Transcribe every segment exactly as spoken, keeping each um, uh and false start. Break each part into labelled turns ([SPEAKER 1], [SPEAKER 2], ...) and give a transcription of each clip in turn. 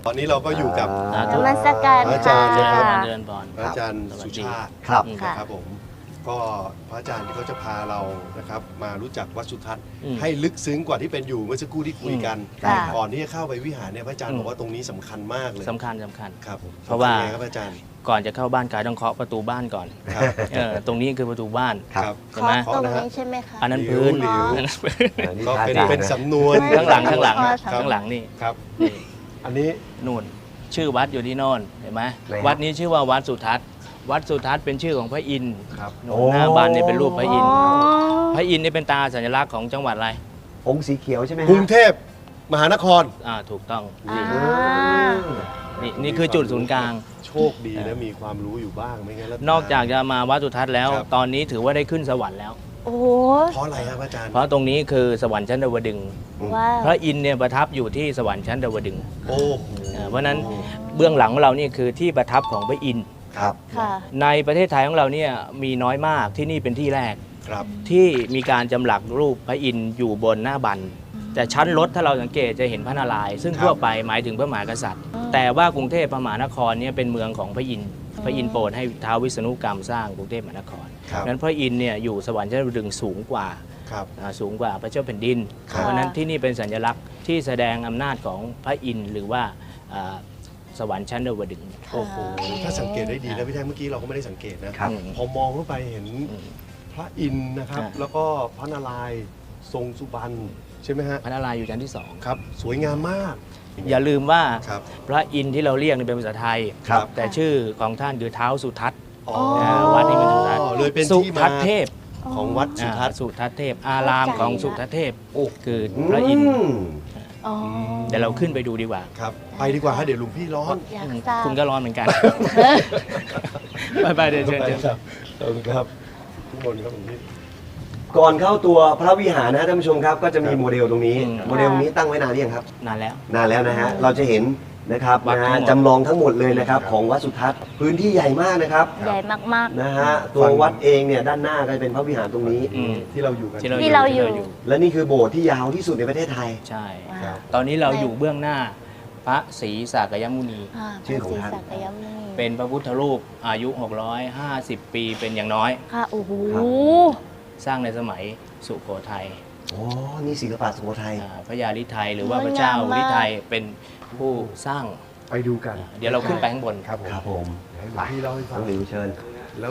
[SPEAKER 1] ตอนนี้เราก็อยู่กับ
[SPEAKER 2] นมัสการ
[SPEAKER 1] อาจารย์นะครับ
[SPEAKER 3] เดินบอล
[SPEAKER 1] พระอาจารย์สุชาติ
[SPEAKER 2] ครับ
[SPEAKER 1] นะครับผมก็พระอาจารย์ที่เขาจะพาเรานะครับมารู้จักวัดสุทัศน์
[SPEAKER 3] อืม
[SPEAKER 1] ให้ลึกซึ้งกว่าที่เป็นอยู่เมื่อสักครู่ที่คุยกัน
[SPEAKER 2] ค่ะ
[SPEAKER 1] ก่อนที่จะเข้าไปวิหารเนี่ยพระอาจารย์
[SPEAKER 3] อืม
[SPEAKER 1] บอกว่าตรงนี้สำคัญมากเลย
[SPEAKER 3] สำคัญสำคัญ
[SPEAKER 1] ครับผม
[SPEAKER 3] เพราะว่า
[SPEAKER 1] สำคัญไงครับพระอาจารย์
[SPEAKER 3] ก่อนจะเข้าบ้านกายต้องเคาะประตูบ้านก่อน
[SPEAKER 1] ครับ
[SPEAKER 3] เออตรงนี้คือประตูบ้าน
[SPEAKER 1] ครับ
[SPEAKER 3] ใช่ไหม
[SPEAKER 2] เคาะตรงนี้ใช่ไหมคะ
[SPEAKER 3] อันนั้นพื้น
[SPEAKER 1] หลิว
[SPEAKER 3] อันนั้นพื้น
[SPEAKER 1] ก็เป็นเป็นสำนวน
[SPEAKER 3] ข้างหลังข้างหลัง
[SPEAKER 2] ครับ
[SPEAKER 3] ข้างหลังนี่
[SPEAKER 1] ครับ
[SPEAKER 3] นี่
[SPEAKER 1] อันนี้
[SPEAKER 3] นู่นชื่อวัดอยู่ที่โน่นเห็นไหม
[SPEAKER 2] ไหนครับ
[SPEAKER 3] วัดนี้ชื่อว่าวัดสุทัศน์วัดสุทัศน์เป็นชื่อของพระอินทร์
[SPEAKER 1] ครับ
[SPEAKER 3] โน่นหน้าบ้านเนี่ยเป็นรูปพระอินทร์
[SPEAKER 2] อ๋อ
[SPEAKER 3] พระอินทร์นี่เป็นตาสัญลักษณ์ของจังหวัดอะไร
[SPEAKER 4] องค์สีเขียวใช่ไหม
[SPEAKER 1] กรุงเทพมหานคร
[SPEAKER 3] อ่าถูกต้อง
[SPEAKER 2] อ่า
[SPEAKER 3] นี่นี่คือจุดศูนย์กลาง
[SPEAKER 1] โชคดีนะมีความรู้อยู่บ้างไม่งั้นแล้ว
[SPEAKER 3] นอกจากจะมาวัดสุทัศน์แล้ว
[SPEAKER 1] ครับ
[SPEAKER 3] ตอนนี้ถือว่าได้ขึ้นสวรรค์แล้ว
[SPEAKER 2] โอ้โห
[SPEAKER 1] เพราะอะไรครับอาจารย์
[SPEAKER 3] เพราะตรงนี้คือสวรรค์ชั้นดาวดึงส์
[SPEAKER 2] ว้าว
[SPEAKER 3] พระอินทร์เนี่ยประทับอยู่ที่สวรรค์ชั้นดาวดึงส์
[SPEAKER 1] โอ้โห
[SPEAKER 3] อ่าเพราะฉะนั้นเบื้องหลังของเรานี่คือที่ประทับของพระอินทร์
[SPEAKER 4] ครับ
[SPEAKER 2] ค่ะ
[SPEAKER 3] ในประเทศไทยของเราเนี่ยมีน้อยมากที่นี่เป็นที่แรก
[SPEAKER 1] ครับ
[SPEAKER 3] ที่มีการจำหลักรูปพระอินทร์อยู่บนหน้าบันแต่ชั้นรถถ้าเราสังเกตจะเห็นพระนารายณ์ซึ่งทั่วไปหมายถึงพระมหากษัตริย์ แต่ว่ากรุงเทพมหานครเนี่ยเป็นเมืองของพระอินทร์พระอินทร์โปรดให้ท้าววิษณุกรรมสร้างกรุงเทพมหานคร
[SPEAKER 1] ครับ
[SPEAKER 3] นั้นพระอินทร์เนี่ยอยู่สวรรค์ชั้นดาวดึงส์สูงกว่า
[SPEAKER 1] ครับ
[SPEAKER 3] อ่าสูงกว่าพระเจ้าแผ่นดิน
[SPEAKER 1] ครับ
[SPEAKER 3] เพราะฉะนั้นที่นี่เป็นสัญลักษณ์ที่แสดงอำนาจของพระอินทร์หรือว่าอ่าสวรรค์ชั้นดาวดึงส์
[SPEAKER 1] โอ้โหถ้าสังเกตได้ดีนะพี่แท่งเมื่อกี้เราก็ไม่ได้สังเกตนะครับ
[SPEAKER 3] อืม
[SPEAKER 1] พอมองเข้าไปเห็น
[SPEAKER 3] อืม
[SPEAKER 1] พระอินทร์นะครับ
[SPEAKER 3] อ่า
[SPEAKER 1] แล้วก็พระนารายณ์ทรงสุบรรณใช่ไหมฮะ
[SPEAKER 3] พระนารายณ์อยู่ชั้นที่สอง
[SPEAKER 1] ครับ สวยงามมาก
[SPEAKER 3] อย่าลืมว่า
[SPEAKER 1] ครับ
[SPEAKER 3] พระอินทร์ที่เราเรียกนี่เป็นภาษาไทย
[SPEAKER 1] ครับ
[SPEAKER 3] แต่ชื่อของท่านคือเท้าสุทัศน์
[SPEAKER 1] อ๋อ
[SPEAKER 3] วัดนี้เป็นสุทัศน์
[SPEAKER 1] เลยเป็น
[SPEAKER 3] สุ
[SPEAKER 1] ที่
[SPEAKER 3] ทั
[SPEAKER 1] มา
[SPEAKER 3] ศน์เทพ
[SPEAKER 1] ของวัดสุทัศน์
[SPEAKER 3] อ่าสุทัศน์เทพ อารามของสุทัศน์เทพ
[SPEAKER 1] โอ้
[SPEAKER 3] คือพระอินทร์
[SPEAKER 2] อ๋อ
[SPEAKER 3] เดี๋ยวเราขึ้นไปดูดีกว่า
[SPEAKER 1] ครับ ไปดีกว่าฮะเดี๋ยวหลุงพี่ร้อน
[SPEAKER 2] อยากทราบ
[SPEAKER 3] คุณก็ร้อนเหมือนกัน ไปไปเดี๋ยวเชิญเชิญ
[SPEAKER 1] ครับขอบคุณครับทุกคนครับหลวงพี่
[SPEAKER 4] ก่อนเข้าตัวพระวิหารนะท่านผู้ชมครับก็จะมี
[SPEAKER 1] ครับ
[SPEAKER 4] โมเดลตรงนี้
[SPEAKER 3] อืม
[SPEAKER 4] โมเดลตรงนี้ตั้งไว้นานหรือยังครับ
[SPEAKER 3] นานแล้ว
[SPEAKER 4] นานแล้วนะฮะเราจะเห็นนะครับ
[SPEAKER 3] วัด
[SPEAKER 4] นะ
[SPEAKER 3] ทั้
[SPEAKER 4] ฮะ
[SPEAKER 3] งหมด
[SPEAKER 4] จำลองทั้งหมดเลยนะครับของวัดสุทัศน์พื้นที่ใหญ่มากนะครับ
[SPEAKER 2] ใหญ่มาก
[SPEAKER 4] นะฮะตัววัดเองเนี่ยด้านหน้าก็จะเป็นพระวิหารตรงนี้
[SPEAKER 3] อืม
[SPEAKER 1] ที่เราอยู่กัน
[SPEAKER 3] ที่เรา
[SPEAKER 2] ที่เราอยู่
[SPEAKER 4] และนี่คือโบสถ์ที่ยาวที่สุดในประเทศไทย
[SPEAKER 3] ใช่
[SPEAKER 2] ๆว้า
[SPEAKER 1] ครั
[SPEAKER 2] ว
[SPEAKER 1] บ
[SPEAKER 3] ตอนนี้เราอยู่เบื้องหน้าพระศรีสากยมุนี
[SPEAKER 2] อ่า
[SPEAKER 4] ชื่อของท่าน
[SPEAKER 2] พระศรีสักยมุนี
[SPEAKER 3] เป็นพระพุทธรูปอายุ หกร้อยห้าสิบ ปีเป็นอย่างน้อย
[SPEAKER 2] ค่ะ โอ้โห
[SPEAKER 4] ครับ
[SPEAKER 3] สร้างในสมัยสุโขทัย
[SPEAKER 4] อ๋อนี่ศิลปะสุโขทัย
[SPEAKER 3] อ่าพระยาลิไทยหรือว่าพระเจ้าลิไทยเป็นผู้สร้าง
[SPEAKER 1] ไปดูกัน
[SPEAKER 3] เดี๋ยวเราขึ้นไปข้างบน
[SPEAKER 1] ครับผม
[SPEAKER 4] ครับผม
[SPEAKER 1] ให้หลวงพี่เล่าให้ฟั
[SPEAKER 4] น้
[SPEAKER 1] ง
[SPEAKER 4] องหลิวเชิญ
[SPEAKER 1] แล้ว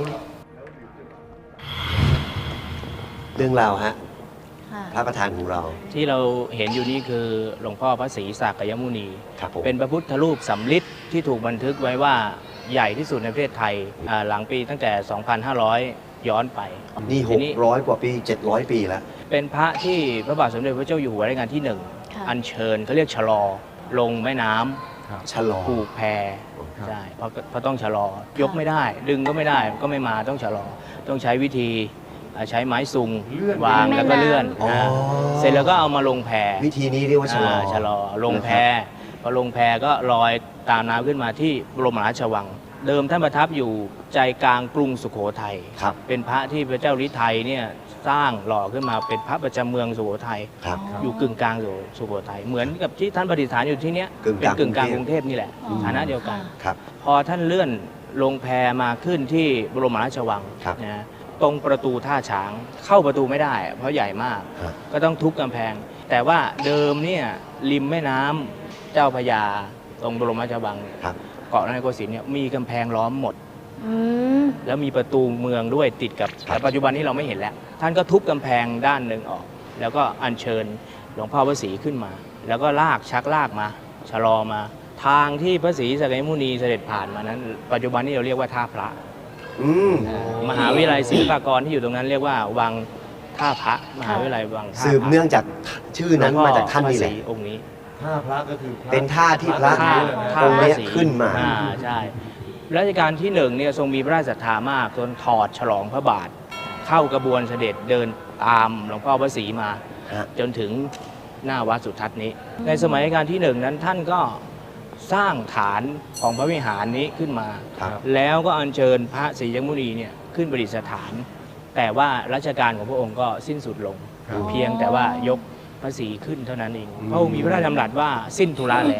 [SPEAKER 4] เรื่องราวฮะ
[SPEAKER 2] ค่ะ
[SPEAKER 4] พระประธานของเรา
[SPEAKER 3] ที่เราเห็นอยู่นี่คือหลวงพ่อพระศรีสากยมุนี
[SPEAKER 4] ครับผม
[SPEAKER 3] เป็นพระพุทธรูปสำริดที่ถูกบันทึกไว้ว่าใหญ่ที่สุดในประเทศไทยอ่าหลังปีตั้งแต่ สองพันห้าร้อย ย้อนไป
[SPEAKER 4] นี่
[SPEAKER 3] ที
[SPEAKER 4] หกร้อยกว่าปีเจ็ดร้อยปีแล้ว
[SPEAKER 3] เป็นพระที่พระบาทสมเด็จพระเจ้าอยู่หัวรัชกาลที่หนึ่ง
[SPEAKER 2] ค่ะ
[SPEAKER 3] อัญเชิญเขาเรียกชะลอ ลงแม่น้ำ
[SPEAKER 4] ชะลอ
[SPEAKER 3] ผูกแพใช่เพราะเพราะต้องชะลอยกไม่ได้ ดึงก็ไม่ได้ก็ไม่มาต้องชะลอ ต้องใช้วิธีอ่าใช้ไม้ซุงวางแล้วก็เลื่อน
[SPEAKER 4] อ๋อ
[SPEAKER 3] นะเสร็จแล้วก็เอามาลงแพ
[SPEAKER 4] วิธีนี้เรียกว่าชะลอ
[SPEAKER 3] อ่าชะลอลงแพพอลงแพก็ลอยตามน้ำขึ้นมาที่บรมราชวัง เดิมท่านประทับอยู่ใจกลางกรุงสุโขทัย
[SPEAKER 4] ครับ
[SPEAKER 3] เป็นพระที่พระเจ้าฤทัยเนี่ยสร้างหล่อขึ้นมาเป็นพระประจำเมืองสุโขทัย
[SPEAKER 4] ครับ
[SPEAKER 3] อยู่กึ่งกลางสุโขทัยเหมือนกับที่ท่านประดิษฐานอยู่ที่เนี้ย
[SPEAKER 4] กึ่งก
[SPEAKER 3] เป็น
[SPEAKER 4] ลาง
[SPEAKER 3] กึ่งกลาง
[SPEAKER 4] ก
[SPEAKER 3] ก
[SPEAKER 4] รุ
[SPEAKER 3] รุ
[SPEAKER 4] ง
[SPEAKER 3] ง
[SPEAKER 4] เท
[SPEAKER 3] เท
[SPEAKER 4] พ
[SPEAKER 3] พนี่แหละ
[SPEAKER 2] อ๋อ
[SPEAKER 3] ฐานะเดียวกัน
[SPEAKER 2] ค่ะ
[SPEAKER 4] ครับ
[SPEAKER 3] พอท่านเลื่อนลงแพมาขึ้นที่บรมราชวัง
[SPEAKER 4] ครับ
[SPEAKER 3] นะตรงประตูท่าช้างเข้าประตูไม่ได้ เพราะใหญ่มาก
[SPEAKER 4] ครับ
[SPEAKER 3] ก็ต้องทุบกำแพง แต่ว่าเดิมเนี่ยริมแม่น้ำเจ้าพระยาตรงบรมราชวัง
[SPEAKER 4] ครับ
[SPEAKER 3] เกาะนายโกสินทร์เนี่ยมีกำแพงล้อมหมด
[SPEAKER 2] อืม
[SPEAKER 3] แล้วมีประตูเมืองด้วยติดกับ
[SPEAKER 4] ครับ
[SPEAKER 3] แต่ปัจจุบันนี้เราไม่เห็นแล้ว ท่านก็ทุบกำแพงด้านหนึ่งออก แล้วก็อัญเชิญหลวงพ่อพระศรีขึ้นมา แล้วก็ลากชักลากมาชะลอมา ทางที่พระศรีสักยมุนีเสด็จผ่านมานั้น ปัจจุบันนี้เราเรียกว่าท่าพระ
[SPEAKER 4] อืม
[SPEAKER 3] มหาวิทยาลัยศิลปากรที่อยู่ตรงนั้นเรียกว่าวังท่าพระมหาวิทยาลัยวังท่าพระ
[SPEAKER 4] สืบเนื่องจากชื่อนั้นมาจากท่านนี่แหละ
[SPEAKER 3] วงพ่อพรศรีองค์นี้
[SPEAKER 1] ท่าพระก็คือพระ
[SPEAKER 4] เป็นท่าที่พระ
[SPEAKER 3] ท่าท่า
[SPEAKER 4] องค์เนี้ย
[SPEAKER 3] พระศรี
[SPEAKER 4] ขึ้นมา
[SPEAKER 3] อ่ใช่รัชกาลที่หนึ่งเนี่ยทรงมีพระราชศรัทธามากจนถอดฉลองพระบาท เข้ากระบวนเสด็จเดินตามหลวงพ่อพระศรีมา
[SPEAKER 4] ฮะ
[SPEAKER 3] จนถึงหน้าวัดสุทัศน์นี้ ในสมัยรัชกาลที่หนึ่งนั้นท่านก็สร้างฐานของพระวิหารนี้ขึ้นมา
[SPEAKER 4] ครับ
[SPEAKER 3] แล้วก็อัญเชิญพระศรียมุนีเนี่ยขึ้นประดิษฐาน แต่ว่ารัชกาลของพระองค์ก็สิ้นสุดลง
[SPEAKER 1] ครับ
[SPEAKER 3] เพียงแต่ว่ายกพระศรีขึ้นเท่านั้นเองพระองค์มีพระราชดำรัสว่าสิ้นธุระแล้ว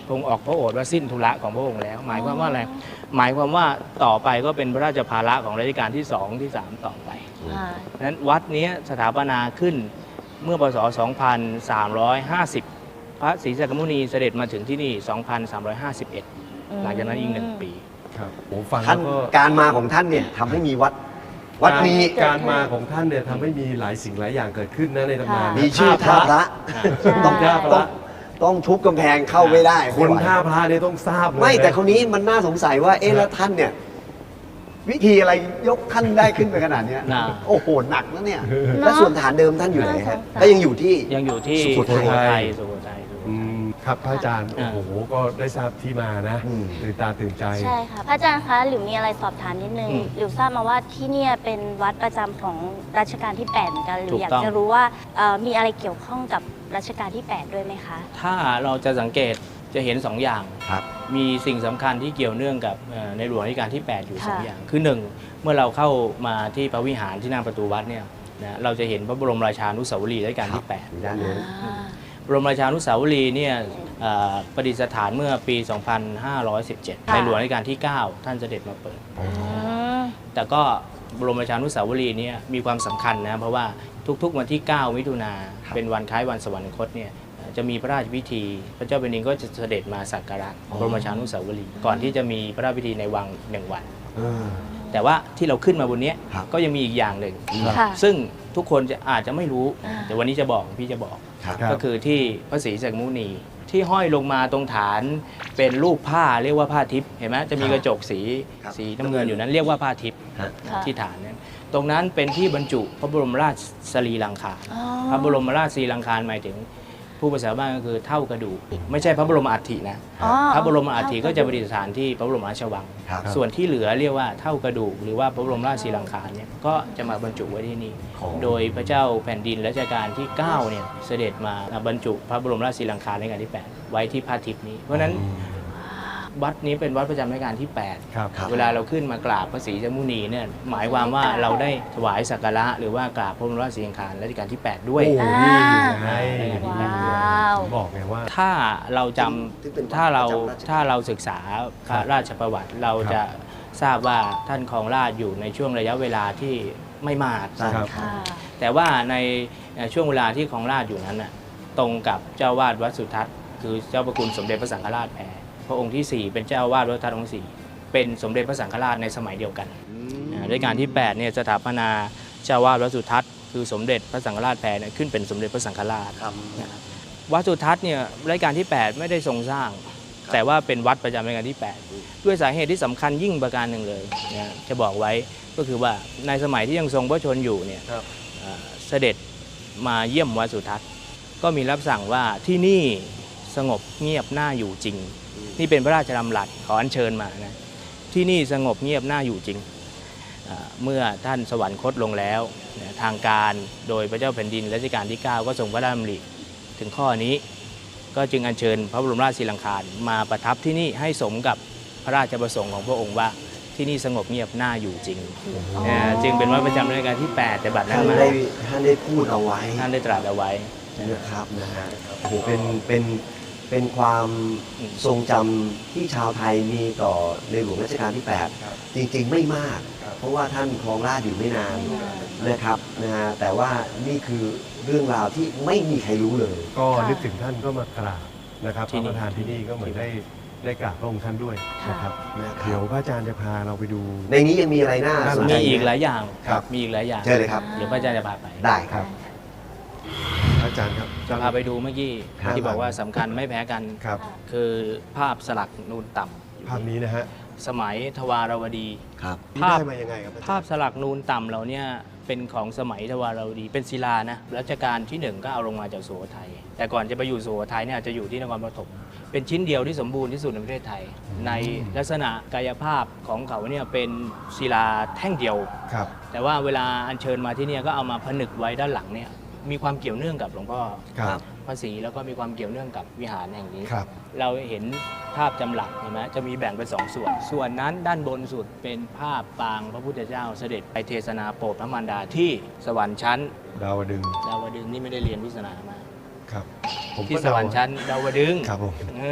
[SPEAKER 3] พระองค์ออกพระโอษฐ์ว่าสิ้นธุระของพระองค์แล้ว หมายความว่าอะไรหมายความว่าต่อไปก็เป็นพระราชภาระของรัชกาลที่สองที่สามต่อไป
[SPEAKER 2] ค่ะ
[SPEAKER 3] เพราะฉะนั้นวัดนี้สถาปนาขึ้นเมื่อพศสองพันสามร้อยห้าสิบ พระศรีสักกมุนีเสด็จมาถึงที่นี่ สองพันสามร้อยห้าสิบเอ็ด หลังจากนั้นอีกหนึ่งปี
[SPEAKER 1] ครับผมฟัง
[SPEAKER 4] ท่า
[SPEAKER 1] แล้
[SPEAKER 4] น
[SPEAKER 1] วก็
[SPEAKER 4] การมาของท่านเนี่ยทำให้มีวัด วัดนี้
[SPEAKER 1] การมาของท่านเนี่ยทำให้มีหลายสิ่งหลายอย่างเกิดขึ้นนะในตำนาน
[SPEAKER 2] ค่ะ
[SPEAKER 4] มีชื่อท่าพระ
[SPEAKER 2] ใช่
[SPEAKER 4] ต้อง
[SPEAKER 1] ท่าพ
[SPEAKER 4] ต้อ
[SPEAKER 1] ระ
[SPEAKER 4] งต้องทุบกำแพงเข้าไม่ได้
[SPEAKER 1] คน
[SPEAKER 4] ไม่ไหว
[SPEAKER 1] ท่าพระเนี่ยต้องทราบเลย
[SPEAKER 4] ไม่แต่
[SPEAKER 1] นะ
[SPEAKER 4] คนนี้มันน่าสงสัยว่าเอ๊ะแล้วท่านเนี่ย วิธีอะไรยกท่านได้ขึ้นไปขนาดเนี้ย
[SPEAKER 3] น่ะ
[SPEAKER 4] โอ้โหหนักนะเนี่ย แล้วส่วนฐานเดิมท่านอยู่ไหนฮะ
[SPEAKER 2] น่าสงสาร
[SPEAKER 4] ก็ยังอยู่ที่
[SPEAKER 3] ยังอยู่ที่
[SPEAKER 4] สุโขทัย
[SPEAKER 3] สุโขทัยสุโข
[SPEAKER 1] อื
[SPEAKER 3] ทัย
[SPEAKER 1] มครับพระอาจารย์
[SPEAKER 3] อ่า
[SPEAKER 1] โอ้โหก็ได้ทราบที่มานะ
[SPEAKER 4] อืม
[SPEAKER 1] ตื่นตาตื่นใจ
[SPEAKER 2] ใช่ค่ะพระอาจารย์คะหรือมีอะไรสอบถามนิดนึง
[SPEAKER 3] อืม
[SPEAKER 2] หรือทราบมาว่าที่เนี่ยเป็นวัดประจำของรัชกาลที่แปดเหมือนกันหรื
[SPEAKER 3] ถู
[SPEAKER 2] อก อยาก
[SPEAKER 3] ต้อง
[SPEAKER 2] จะรู้ว่าเอ่อมีอะไรเกี่ยวข้องกับรัชกาลที่แปดด้วยไหมคะ
[SPEAKER 3] ถ้าเราจะสังเกตจะเห็นสองอย่าง
[SPEAKER 4] ครับ
[SPEAKER 3] มีสิ่งสำคัญที่เกี่ยวเนื่องกับเอ่อในหลวงรัชกาลที่ แปด อยู่
[SPEAKER 2] ค่ะ
[SPEAKER 3] สองอย่าง คือหนึ่งเมื่อเราเข้ามาที่พระวิหารที่หน้าประตูวัดเนี่ยนะเราจะเห็นพระบรมราชานุสาวรีย์รัชกาลที่ แปด
[SPEAKER 4] ด้านนู้น
[SPEAKER 2] อ่า
[SPEAKER 3] บรมราชานุสาวรีย์เนี่ยเอ่อประดิษฐานเมื่อปี สองพันห้าร้อยสิบเจ็ด
[SPEAKER 2] ค่ะ
[SPEAKER 3] ในหลวงรัชกาลที่ เก้า ท่านเสด็จมาเปิด
[SPEAKER 2] อืม
[SPEAKER 3] แต่ก็บรมราชานุสาวรีย์เนี่ยมีความสำคัญนะเพราะว่าทุกๆวันที่ เก้า มิถุนา
[SPEAKER 4] ครับ
[SPEAKER 3] เป็นวันคล้ายวันสวรรคตเนี่ยจะมีพระราชพิธี พระเจ้าแผ่นดินก็จะเสด็จมาสักการะบรมราชานุสาวรีย์ก่อนที่จะมีพระราชพิธีในวังหนึ่งวัน
[SPEAKER 4] เออ
[SPEAKER 3] แต่ว่าที่เราขึ้นมาบนเนี้ย
[SPEAKER 4] ครับ
[SPEAKER 3] ก็ยังมีอีกอย่างหนึ่ง
[SPEAKER 2] ค่ะ
[SPEAKER 3] ซึ่งทุกคนจะอาจจะไม่รู้
[SPEAKER 2] อ่า
[SPEAKER 3] แต่วันนี้จะบอกพี่จะบอก
[SPEAKER 4] ครับ
[SPEAKER 1] ครับ
[SPEAKER 3] ก็คือที่พระศรีสักกมุนีที่ห้อยลงมาตรงฐานเป็นรูปผ้าเรียกว่าผ้าทิพย์เห็นไหมจะมีกระจกสี
[SPEAKER 4] ครับ
[SPEAKER 3] สีน้ำเงินอยู่นั้นเรียกว่าผ้าทิพย์
[SPEAKER 4] ฮะ
[SPEAKER 2] ค่ะ
[SPEAKER 3] ที่ฐานนั้นตรงนั้นเป็นที่บรรจุพระบรมราชสรีรังคาร
[SPEAKER 2] อ๋อ
[SPEAKER 3] พระบรมราชสรีรังคารหมายถึงผู้ภาษาบ้านก็คือเท่ากระดูกไม่ใช่พระบรมอัฐินะ
[SPEAKER 2] อ๋อ
[SPEAKER 3] พระบรมอัฐิก็จะประดิษฐานที่พระบรมราชวัง
[SPEAKER 4] ครับ
[SPEAKER 3] ส่วนที่เหลือเรียกว่าเท่ากระดูกหรือว่าพระบรมราชสีลังคารเนี่ยก็จะมาบรรจุไว้ที่นี่
[SPEAKER 4] อ๋อ
[SPEAKER 3] โดยพระเจ้าแผ่นดินรัชกาลที่ เก้าเนี่ยเสด็จมาบรรจุพระบรมราชสีลังคารในรัชกาลที่ แปด ไว้ที่พระทิพย์นี้ เพราะฉะนั้นวัดนี้เป็นวัดประจำรัชกาลที่ แปด
[SPEAKER 1] ครับ
[SPEAKER 4] ครับ
[SPEAKER 3] เวลาเราขึ้นมากราบพระศรีสักกมุนีเนี่ยหมายความว่าเราได้ถวายสักการะหรือว่ากราบพระบรมราชสีลังคารรัชกาลที่ แปด ด้วย
[SPEAKER 1] โอ้
[SPEAKER 2] อ่า
[SPEAKER 1] นี่ไง
[SPEAKER 2] ว้าว
[SPEAKER 1] ผมบอกไงว่า
[SPEAKER 3] ถ้าเราจ
[SPEAKER 4] ซึ่งเป็นวัด
[SPEAKER 3] ำถ้าเรา
[SPEAKER 4] ประจำราชการ
[SPEAKER 3] ถ้าเราศึกษาพระราชประวัติเราจะทราบว่าท่านครองราชย์อยู่ในช่วงระยะเวลาที่ไม่มาก
[SPEAKER 1] ครับ
[SPEAKER 2] ค่ะ
[SPEAKER 3] แต่ว่าในช่วงเวลาที่ครองราชย์อยู่นั้นน่ะตรงกับเจ้าวาดวัดสุทัศน์คือเจ้าพระคุณสมเด็จพระสังฆราชแพรพระองค์ที่สี่เป็นเจ้าวาดวัดสุทัศน์องค์สี่เป็นสมเด็จพระสังฆราชในสมัยเดียวกันอ่ารัชกาลที่แปดเนี่ยสถาปนาเจ้าวาดวัดสุทัศน์คือสมเด็จพระสังฆราชแพรเนี่ยขึ้นเป็นสมเด็จพระสังฆราช
[SPEAKER 4] ครับ
[SPEAKER 3] นะครับวัดสุทัศน์เนี่ยรัชกาลที่ แปด ไม่ได้ทรงสร้าง แต่ว่าเป็นวัดประจำรัชกาลที่ แปด ด้วยสาเหตุที่สำคัญยิ่งประการหนึ่งเลยนะจะบอกไว้ก็คือว่าในสมัยที่ยังทรงพระชนอยู่เนี่ย
[SPEAKER 1] ครับ
[SPEAKER 3] เอ่อเสด็จมาเยี่ยมวัดสุทัศน์ก็มีรับสั่งว่าที่นี่สงบเงียบน่าอยู่จริง นี่เป็นพระราชดำรัสขออัญเชิญมานะที่นี่สงบเงียบน่าอยู่จริงเอ่อเมื่อท่านสวรรคตลงแล้วนะทางการโดยพระเจ้าแผ่นดินรัชกาลที่ เก้า ก็ทรงพระราชดำริถึงข้อนี้ ก็จึงอัญเชิญพระบรมราชสีลังคารมาประทับที่นี่ให้สมกับพระราชประสงค์ของพระองค์ว่าที่นี่สงบเงียบน่าอยู่จริงนะจึงเป็นวัดประจำรัชกาลที่ แปด แต่บัดนั้
[SPEAKER 4] ท่าน น
[SPEAKER 3] มา
[SPEAKER 4] ได้ท่านได้พูดเอาไว้
[SPEAKER 3] ท่านได้ตรัสเอาไว้
[SPEAKER 4] นะครับนะฮะโอ้โหเป็นเป็นเป็นความทรงจำที่ชาวไทยมีต่อในหลวงรัชกาลที่ แปด
[SPEAKER 1] ครับ
[SPEAKER 4] จริงๆไม่มาก
[SPEAKER 1] ครับ
[SPEAKER 4] เพราะว่าท่านครองราชย์อยู่ไม่นานนะครับนะฮะแต่ว่านี่คือเรื่องราวที่ไม่มีใครรู้เลย
[SPEAKER 1] ก็
[SPEAKER 2] ค่ะ
[SPEAKER 1] นึกถึงท่านก็มากราบนะครับพ
[SPEAKER 3] ที่
[SPEAKER 1] ระ
[SPEAKER 3] นี่
[SPEAKER 1] ประธานที่นี่ก็เหมือนได้ได้กราบพระองค์ท่านด้วยนะครับ
[SPEAKER 4] นะครับ
[SPEAKER 1] เดี๋ยวพระอาจารย์จะพาเราไปดู
[SPEAKER 4] ในนี้ยังมีอะไรน่าสนใจ
[SPEAKER 3] มีอีกห
[SPEAKER 4] ไหม
[SPEAKER 3] ลายอย่าง
[SPEAKER 1] ครับ
[SPEAKER 3] มีอีกหลายอย่าง
[SPEAKER 4] เชิญเลยครับ
[SPEAKER 3] เดี๋ยวพระอาจารย์จะพาไป
[SPEAKER 4] ได้ค
[SPEAKER 1] ครั
[SPEAKER 4] รับ
[SPEAKER 1] บ พระอาจารย์ครับ
[SPEAKER 3] จะพาไปดูเมื่อกี้
[SPEAKER 4] ครับ
[SPEAKER 3] ที่บอกว่าสำคัญไม่แพ้กัน
[SPEAKER 1] ครับ
[SPEAKER 3] คือภาพสลักนูนต่ำ
[SPEAKER 1] ภาพนี้นะฮะ
[SPEAKER 3] สมัยทวารวดี
[SPEAKER 4] ครับ
[SPEAKER 1] นี่
[SPEAKER 3] ภาพ
[SPEAKER 1] ได้มายังไงครับอจรย์
[SPEAKER 3] ภาพสลักนูนต่ำเราเนี่ยเป็นของสมัยทวารวดี เป็นศิลานะรัชกาลที่หนึ่งก็เอาลงมาจากสุโขทัยแต่ก่อนจะไปอยู่สุโขทัยเนี่ยจะอยู่ที่นครปฐมเป็นชิ้นเดียวที่สมบูรณ์ที่สุดในประเทศไทย ในลักษณะกายภาพของเขาเนี่ยเป็นศิลาแท่งเดียว
[SPEAKER 1] ครับ
[SPEAKER 3] แต่ว่าเวลาอัญเชิญมาที่เนี่ยก็เอามาผนึกไว้ด้านหลังเนี่ยมีความเกี่ยวเนื่องกับหลวงพ่อ
[SPEAKER 1] ครับ
[SPEAKER 3] พระศรีแล้วก็มีความเกี่ยวเนื่องกับวิหารแห่งนี้
[SPEAKER 1] ครับ
[SPEAKER 3] เราเห็นภาพจำหลักเห็นไหมจะมีแบ่งเป็นสองส่วน ส่วนนั้นด้านบนสุดเป็นภาพปางพระพุทธเจ้าเสด็จไปเทศนาโปรดพระมารดาที่สวรรค์ชั้น
[SPEAKER 1] ดาวดึงส์
[SPEAKER 3] ดาวดึงส์นี่ไม่ได้เรียนวิศนามา
[SPEAKER 1] ครับผม
[SPEAKER 3] ที่
[SPEAKER 1] ก็
[SPEAKER 3] สวรรค์ชั้นดาวดึงส์
[SPEAKER 1] ครับผม
[SPEAKER 3] เออ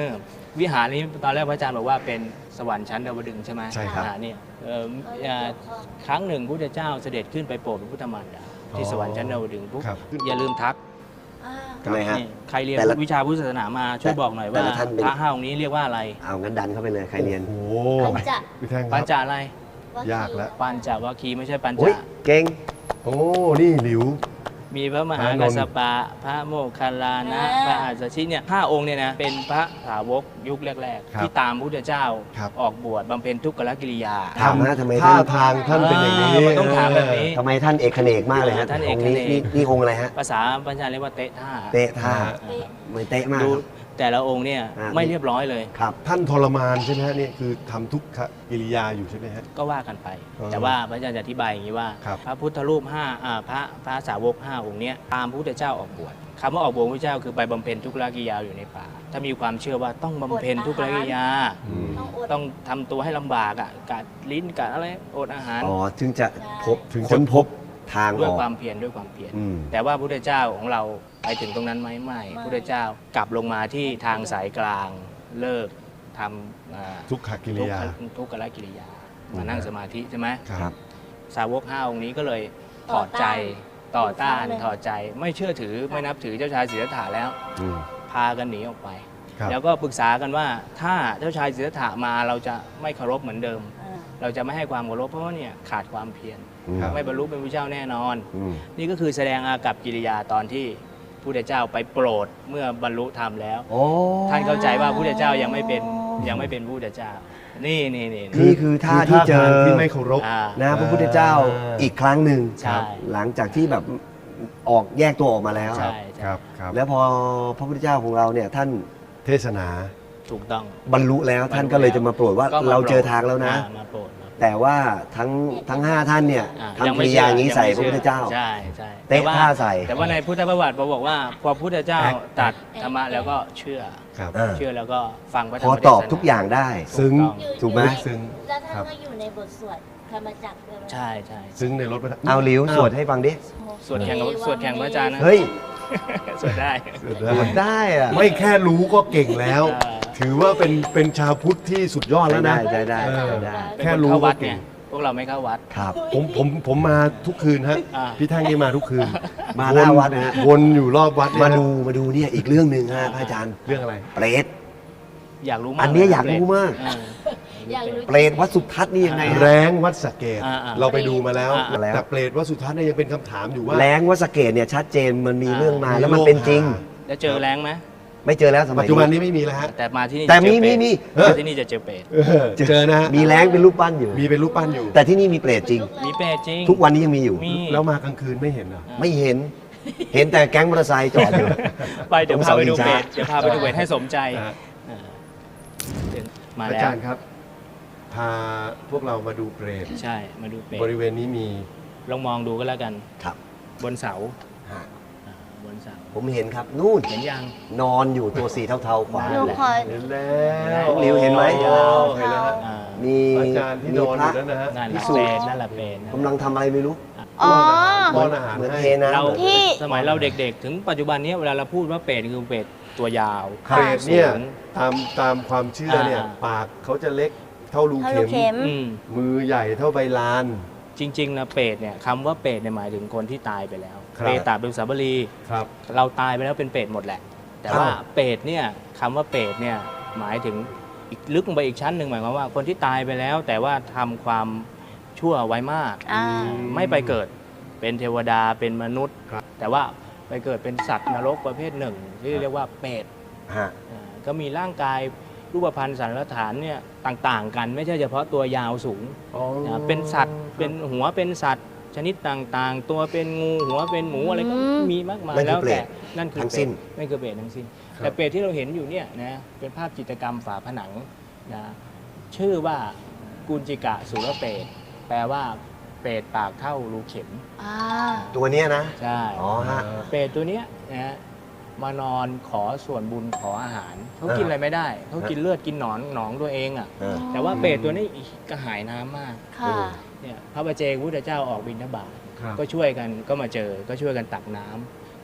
[SPEAKER 3] วิหารนี้ตอนแรกพระอาจารย์บอกว่าเป็นสวรรค์ชั้นดาวดึงส์ใช่ไหม
[SPEAKER 1] ใช่ครับ
[SPEAKER 3] อ่าเนี่ยเอ่ออ่าครั้งหนึ่งพระพุทธเจ้าเสด็จขึ้นไปโปรดพระพุทธมารดาที่สวรรค์ชั้นดาวดึงส์ปุ๊บ
[SPEAKER 1] ครับ
[SPEAKER 3] อย่าลืมทัก
[SPEAKER 2] อ่า
[SPEAKER 4] ทำไมฮะ
[SPEAKER 3] นี่ใครเรียน
[SPEAKER 4] แต่ละ
[SPEAKER 3] วิชาพุทธศาสนามาช่วยบอกหน่อย
[SPEAKER 4] แต่
[SPEAKER 3] ว่า
[SPEAKER 4] ละท่านเป็น
[SPEAKER 3] พระห้าองค์นี้เรียกว่าอะไร
[SPEAKER 4] เอางั้นดันเข้าไปเลยใครเรียน
[SPEAKER 1] โอ้โห
[SPEAKER 2] ปัญจ
[SPEAKER 1] พี่แท่งค
[SPEAKER 3] ปั
[SPEAKER 1] รั
[SPEAKER 3] ญ
[SPEAKER 1] บ
[SPEAKER 3] จอะไร
[SPEAKER 1] ยากแล้ว
[SPEAKER 3] ปัญจวัคคีย์ไม่ใช่ปัญ
[SPEAKER 4] โอ้ย
[SPEAKER 3] จ
[SPEAKER 4] เก่ง
[SPEAKER 1] โอ้นี่หลิว
[SPEAKER 3] มีพระมหา
[SPEAKER 1] พระน
[SPEAKER 3] กั
[SPEAKER 1] น
[SPEAKER 3] ส
[SPEAKER 1] ท์
[SPEAKER 3] สปะ พระโมคคัลลานะ พระอัสสชิเนี่ยห้าองค์เนี่ยนะ เป็นพระสาวกยุคแรก
[SPEAKER 1] ครับ
[SPEAKER 3] ๆ ที่ตามพระพุทธเจ้า
[SPEAKER 1] ครับ
[SPEAKER 3] ออกบวชบำเพ็ญทุกขกิริยา
[SPEAKER 4] ถามนะทำไม
[SPEAKER 1] ท่า
[SPEAKER 4] ท่าน
[SPEAKER 1] ทางท่านเป็นอย่างนี้
[SPEAKER 3] เออมันต้องถามแบบนี้
[SPEAKER 4] ทำไมท่านเอกเขนกมากเลยฮะ
[SPEAKER 3] ท่านเอก
[SPEAKER 4] องค์
[SPEAKER 3] เขนก
[SPEAKER 4] นี้นี่นี่องค์อะไรฮะ
[SPEAKER 3] ภาษาปัญญาเรียกว่าเตะท่า
[SPEAKER 4] เตะท่า
[SPEAKER 2] เป๊ะ
[SPEAKER 4] เหมือนเตะมาก
[SPEAKER 3] ดู
[SPEAKER 4] ครับ
[SPEAKER 3] แต่ละองค์เนี่ย
[SPEAKER 4] อ่า
[SPEAKER 3] ไม่เรียบร้อยเลย
[SPEAKER 4] ครับ
[SPEAKER 1] ท่านทรมานใช่ไหมฮะนี่คือทำทุกขกิริยาอยู่ใช่ไหมฮะ
[SPEAKER 3] ก็ว่ากันไป
[SPEAKER 1] เออ
[SPEAKER 3] แต่ว่าพระอาจารย์จะอธิบายอย่างนี้ว่า
[SPEAKER 1] ครับ
[SPEAKER 3] พระพุทธรูปห้าอ่าพระพระสาวกห้าองค์เนี้ยตามพระพุทธเจ้าออกบวชคำว่าออกบวชพระเจ้าคือไปบำเพ็ญทุกขกิริยาอยู่ในป่า ถ้ามีความเชื่อว่าต้องบำเพ็ญทุกขกิริยา
[SPEAKER 1] อืม
[SPEAKER 2] ต้องอด
[SPEAKER 3] ต้องทำตัวให้ลำบากอ่ะกัดลิ้นกัดอะไรอดอาหาร
[SPEAKER 4] อ๋อ ถึงจะพบ
[SPEAKER 1] ถึงจะ
[SPEAKER 4] ค้นพบทาง
[SPEAKER 3] ด้วย
[SPEAKER 4] ออก
[SPEAKER 3] ความเพียรด้วยความเพียร
[SPEAKER 4] อืม
[SPEAKER 3] แต่ว่าพระพุทธเจ้าของเราไปถึงตรงนั้นไหมไม่พระพุทธเจ้ากลับลงมาที่ทางสายกลางเลิกทำอ่า
[SPEAKER 1] ทุกขกิริ
[SPEAKER 3] ทุก
[SPEAKER 1] ยา
[SPEAKER 3] ขทุกขกิริยา มานั่งสมาธิใช่ไหม
[SPEAKER 4] ครับ
[SPEAKER 3] สาวกห้าองค์นี้ก็เลยถ
[SPEAKER 2] ต่
[SPEAKER 3] อ
[SPEAKER 2] อ
[SPEAKER 3] ดใจ
[SPEAKER 2] ต้าน
[SPEAKER 3] ต่อต้าน
[SPEAKER 2] เลย
[SPEAKER 3] ถอดใจไม่เชื่อถือไม่นับถือเจ้าชายสิทธัตถะแล้ว
[SPEAKER 4] อืม
[SPEAKER 3] พากันหนีออกไป
[SPEAKER 1] ครับ
[SPEAKER 3] แล้วก็ปรึกษากันว่าถ้าเจ้าชายสิทธัตถะมาเราจะไม่เคารพเหมือนเดิม
[SPEAKER 2] อ่า
[SPEAKER 3] เราจะไม่ให้ความเคารพเพราะว่าเนี่ยขาดความเพียร
[SPEAKER 4] อืม
[SPEAKER 1] ครับ
[SPEAKER 3] ไม่บรรลุเป็นพระเจ้าแน่นอน
[SPEAKER 4] อืม
[SPEAKER 3] นี่ก็คือแสดงอากัปกิริยาตอนที่พระพุทธเจ้าไปโปรดเมื่อบรรลุธรรมแล้ว
[SPEAKER 4] โอ้
[SPEAKER 3] ท่านเข้าใจว่าพระพุทธเจ้ายังไม่เป็นยังไม่เป็นพระพุทธเจ้า นี่นี่นี่
[SPEAKER 4] นี่คือท่าที่เจอ
[SPEAKER 1] ทงที่ไม่เคารพ
[SPEAKER 3] อ่า
[SPEAKER 4] นะพระพุทธเจ้า
[SPEAKER 1] อ่า
[SPEAKER 4] อีกครั้งหนึ่ง
[SPEAKER 3] ใช่
[SPEAKER 4] หลังจากที่แบบออกแยกตัวออกมาแล้ว
[SPEAKER 3] ใช่
[SPEAKER 1] ค
[SPEAKER 3] ใช่
[SPEAKER 1] รับครับ
[SPEAKER 4] แล้วพอพระพุทธเจ้าของเราเนี่ยท่าน
[SPEAKER 1] เทศนา
[SPEAKER 3] ถูกต้อง
[SPEAKER 4] บรรลุแล้วท่านก็เลยจะมาโปรดว่า
[SPEAKER 3] ก็ม
[SPEAKER 4] เราเจอ
[SPEAKER 3] โปด
[SPEAKER 4] ทางแล้วนะ
[SPEAKER 3] อ่ามาโปรดมาโปรด
[SPEAKER 4] แต่ว่าทั้งทั้งห้าท่านเนี่ย
[SPEAKER 3] อ่า
[SPEAKER 4] ทำกิริยาอย่างนี้ใส่พระพุทธเจ้า
[SPEAKER 3] ใช่ใช่
[SPEAKER 4] เตะ
[SPEAKER 3] แต่ว่า
[SPEAKER 4] ท่าใส่
[SPEAKER 3] แต่ว่าในพุทธประวัติบอกว่าพอพุทธเจ้า
[SPEAKER 1] แอ๊ก
[SPEAKER 3] ตรัดธรรมะแล้วก็เชื่อ
[SPEAKER 1] ครับ
[SPEAKER 4] อ่า
[SPEAKER 3] เชื่อแล้วก็ฟังพระธร
[SPEAKER 4] พ
[SPEAKER 3] ร
[SPEAKER 4] อ
[SPEAKER 3] มเทศนา
[SPEAKER 4] ตอบทุกอย่างได้
[SPEAKER 1] ซึ้ง
[SPEAKER 3] ถูต้อง
[SPEAKER 2] อยู่
[SPEAKER 4] ถูกไหม
[SPEAKER 2] อยู่ใน
[SPEAKER 1] ซึ้ง
[SPEAKER 2] แล้วท่าน
[SPEAKER 1] ครับ
[SPEAKER 2] ก็อยู่ในบทสวดธรรมจักรด้วยไหม
[SPEAKER 3] ใช่ใช่
[SPEAKER 1] ซึ้งในรถพระ
[SPEAKER 4] เอาหลิวสวดให้ฟังดิ
[SPEAKER 3] สวดแข่งกับสวดแข่งพระอาจารย์นะ
[SPEAKER 4] เฮ้ย
[SPEAKER 3] สวดได้
[SPEAKER 4] สวดได้อะ
[SPEAKER 1] ไม่แค่รู้ก็เก่งแล้ว
[SPEAKER 3] อ่า
[SPEAKER 1] ถือว่าเป็นเป็นชาวพุทธที่สุดยอดแล้วนะ
[SPEAKER 4] ได้ได้
[SPEAKER 1] เออ
[SPEAKER 4] ได้
[SPEAKER 3] เป็น
[SPEAKER 1] แค่
[SPEAKER 3] คน
[SPEAKER 1] รู้
[SPEAKER 3] เข้าวัด
[SPEAKER 1] ก็เก่
[SPEAKER 3] ไง
[SPEAKER 1] ง
[SPEAKER 3] พวกเราไม่เข้าวัด
[SPEAKER 4] ครับ
[SPEAKER 1] ผมผมผมมาทุกคืนฮะ
[SPEAKER 3] อ่า
[SPEAKER 1] พี่แท่งนี่มาทุกคืน
[SPEAKER 4] มาหน้าวัดนะฮะ
[SPEAKER 1] วนอยู่รอบวัดเนี่ย
[SPEAKER 4] มาดูมาดูเนี่ยอีกเรื่องหนึ่งฮะพระอาจารย์
[SPEAKER 1] เรื่องอะไร
[SPEAKER 4] เปรต
[SPEAKER 3] อยากรู้มาก
[SPEAKER 4] อันเนี้ยอยากรู้มาก
[SPEAKER 3] เออ
[SPEAKER 2] อยากรู้
[SPEAKER 4] เปรตวัดสุทัศน์นี่ยังไงฮะ
[SPEAKER 1] แรงวัดสะเกด
[SPEAKER 3] อ่าอ่า
[SPEAKER 1] เราไปดูมาแล้ว
[SPEAKER 3] อ่า
[SPEAKER 4] แล้ว
[SPEAKER 1] แต่เปรตวัดสุทัศน์เนี่ยยังเป็นคำถามอยู่ว่า
[SPEAKER 4] แรงวัดสะเกดเนี่ยชัดเจนมันมี
[SPEAKER 3] อ่า
[SPEAKER 4] เรื่องมาแล้วมันเป็นจริง
[SPEAKER 3] แล้วเจอแรงไหม
[SPEAKER 4] ไม่เจอแล้วสมั
[SPEAKER 1] ปั
[SPEAKER 4] ย
[SPEAKER 1] จจุบัน
[SPEAKER 4] นี้
[SPEAKER 1] นี้ไม่มีแล้วฮะ
[SPEAKER 3] แต่มาที่นี่
[SPEAKER 4] แต่มี
[SPEAKER 3] จะเจอเปรต
[SPEAKER 4] มีมี
[SPEAKER 3] มาที่นี่จะเจอเปรต
[SPEAKER 1] เออเจอนะฮะ
[SPEAKER 4] มีแรงเป็นรูปปั้นอยู่
[SPEAKER 1] มีเป็นรูปปั้นอยู่
[SPEAKER 4] แต่ที่นี่มีเปรตจริง
[SPEAKER 3] มีเปรตจริง
[SPEAKER 4] ทุกวันนี้ยังมีอยู่
[SPEAKER 3] มี
[SPEAKER 1] แล้วมากลางคืนไม่เห็นเหรอ
[SPEAKER 4] ไม่เห็น เห็นแต่แก๊งมอเตอร์ไซค์จอดอยู่
[SPEAKER 3] ไปเดี๋ยว
[SPEAKER 4] ตรง
[SPEAKER 3] พาไปดู
[SPEAKER 4] เสาชิง
[SPEAKER 3] เปร
[SPEAKER 4] ช้า
[SPEAKER 3] ตเดี๋ยวพาไปดูเปรตให้สมใจ
[SPEAKER 1] อ่า
[SPEAKER 3] เออเดี๋ยวมา
[SPEAKER 1] อา
[SPEAKER 3] แล้ว
[SPEAKER 1] จารย์ครับ พาพวกเรามาดูเปรต
[SPEAKER 3] ใช่มาดูเปรต
[SPEAKER 1] บริเวณนี้มี
[SPEAKER 3] ลองมองดูก็แล้วกัน
[SPEAKER 4] ครับ
[SPEAKER 3] บนเสา
[SPEAKER 4] ฮะ
[SPEAKER 3] อ่าบนเสา
[SPEAKER 4] ผมเห็นครับ นู่น
[SPEAKER 3] เห็นยัง
[SPEAKER 4] นอนอยู่ตัวสีเทาๆขวา
[SPEAKER 2] หนู
[SPEAKER 4] แหละ
[SPEAKER 2] ขอ
[SPEAKER 1] เห็นแล้ว
[SPEAKER 4] น้องหลิวเห็นไหม
[SPEAKER 1] โอ้เห็นแล้วฮะ
[SPEAKER 3] อ่า
[SPEAKER 4] มี
[SPEAKER 1] อาจารย์ที่
[SPEAKER 4] มี
[SPEAKER 1] นอน
[SPEAKER 4] พ
[SPEAKER 1] อ
[SPEAKER 4] ระ
[SPEAKER 1] ยู่นั่นนะฮะ
[SPEAKER 3] นั่นแหละ
[SPEAKER 4] พิสู
[SPEAKER 3] เป
[SPEAKER 4] จ
[SPEAKER 3] ร
[SPEAKER 4] น์
[SPEAKER 3] ตนั่นแหละเปรต
[SPEAKER 4] กำลังทำอะไรไม่รู้
[SPEAKER 2] อ๋อ
[SPEAKER 1] ป้อนอาหาร
[SPEAKER 4] เหมือน
[SPEAKER 1] ให้
[SPEAKER 4] เทน้ำ
[SPEAKER 3] เรา
[SPEAKER 2] ที่
[SPEAKER 3] สมัยเราเด็กๆ ถึงปัจจุบันนี้เวลาเราพูดว่าเปรตคือเปรตตัวยาว
[SPEAKER 1] เปรตเนี่ย
[SPEAKER 3] สูง
[SPEAKER 1] ตามตามความเชื่อเนี่ย
[SPEAKER 3] อ่า
[SPEAKER 1] ปากเขาจะเล็กเท่ารู
[SPEAKER 2] เท่าลู
[SPEAKER 1] เข็
[SPEAKER 2] ก
[SPEAKER 1] ม
[SPEAKER 2] เข็ม
[SPEAKER 3] อืม
[SPEAKER 1] มือใหญ่เท่าใบลาน
[SPEAKER 3] จริงๆนะเปรตเนี่ยคำว่าเปรตเนี่ยหมายถึงคนที่ตายไปแล้ว
[SPEAKER 1] ครับ
[SPEAKER 3] เปรตตาเป็นสาบรี
[SPEAKER 1] ครับ
[SPEAKER 3] เราตายไปแล้วเป็นเปรตหมดแหละ แต่ว่าเปรตเนี่ยคำว่าเปรตเนี่ยหมายถึงอีกลึกลงไปอีกชั้นหนึ่งหมายความว่าคนที่ตายไปแล้ว แต่ว่าทำความชั่วไว้มาก
[SPEAKER 2] อ่า
[SPEAKER 3] ไม่ไปเกิดเป็นเทวดาเป็นมนุษย์
[SPEAKER 1] ครับ
[SPEAKER 3] แต่ว่าไปเกิดเป็นสัตว์นรกประเภทหนึ่ง ที่เรียกว่าเปรต
[SPEAKER 4] ฮะ
[SPEAKER 3] อ่าก็มีร่างกายรูปพรรณสันฐานเนี่ยต่างๆ กันไม่ใช่เฉพาะตัวยาวสูง
[SPEAKER 1] อ๋อ
[SPEAKER 3] นะเป็นสัตว์เป็นหัวเป็นสัตว์ชนิดต่างๆ ตัวเป็นงูหัวเป็นหมูอะไรก็
[SPEAKER 2] อืม
[SPEAKER 3] มีมากมาย
[SPEAKER 4] นั่นคือ
[SPEAKER 3] แล้วแต่
[SPEAKER 4] เปรต
[SPEAKER 3] นั่นคือ
[SPEAKER 4] ทั้ง
[SPEAKER 3] เปร
[SPEAKER 4] สิ้
[SPEAKER 3] ต
[SPEAKER 4] น
[SPEAKER 3] นั่นคือเปรตทั้งสิ้นแต่เปรตที่เราเห็นอยู่เนี่ยนะเป็นภาพจิตรกรรมฝาผนังนะชื่อว่ากุญจิกะสุรเปรตแปลว่าเปรตปากเท่ารูเข็ม
[SPEAKER 2] อ่า
[SPEAKER 4] ตัวเนี้ยนะ
[SPEAKER 3] ใช่
[SPEAKER 4] อ๋อฮะ
[SPEAKER 3] เปรตตัวเนี้ยนะมานอนขอส่วนบุญขออาหารเขากินอะไรไม่ได้เขากินเลือดกินหนอนหนองตัวเองอ่ะ
[SPEAKER 4] เออ
[SPEAKER 3] แต่ว่าเปรตตัวนี้กระหายน้ำมาก
[SPEAKER 2] ค่ะ
[SPEAKER 3] เนี่ยพระบาเจกพุทธเจ้าออกบิณฑบาต
[SPEAKER 1] ครับ
[SPEAKER 3] ก็ช่วยกันก็มาเจอก็ช่วยกันตักน้ำ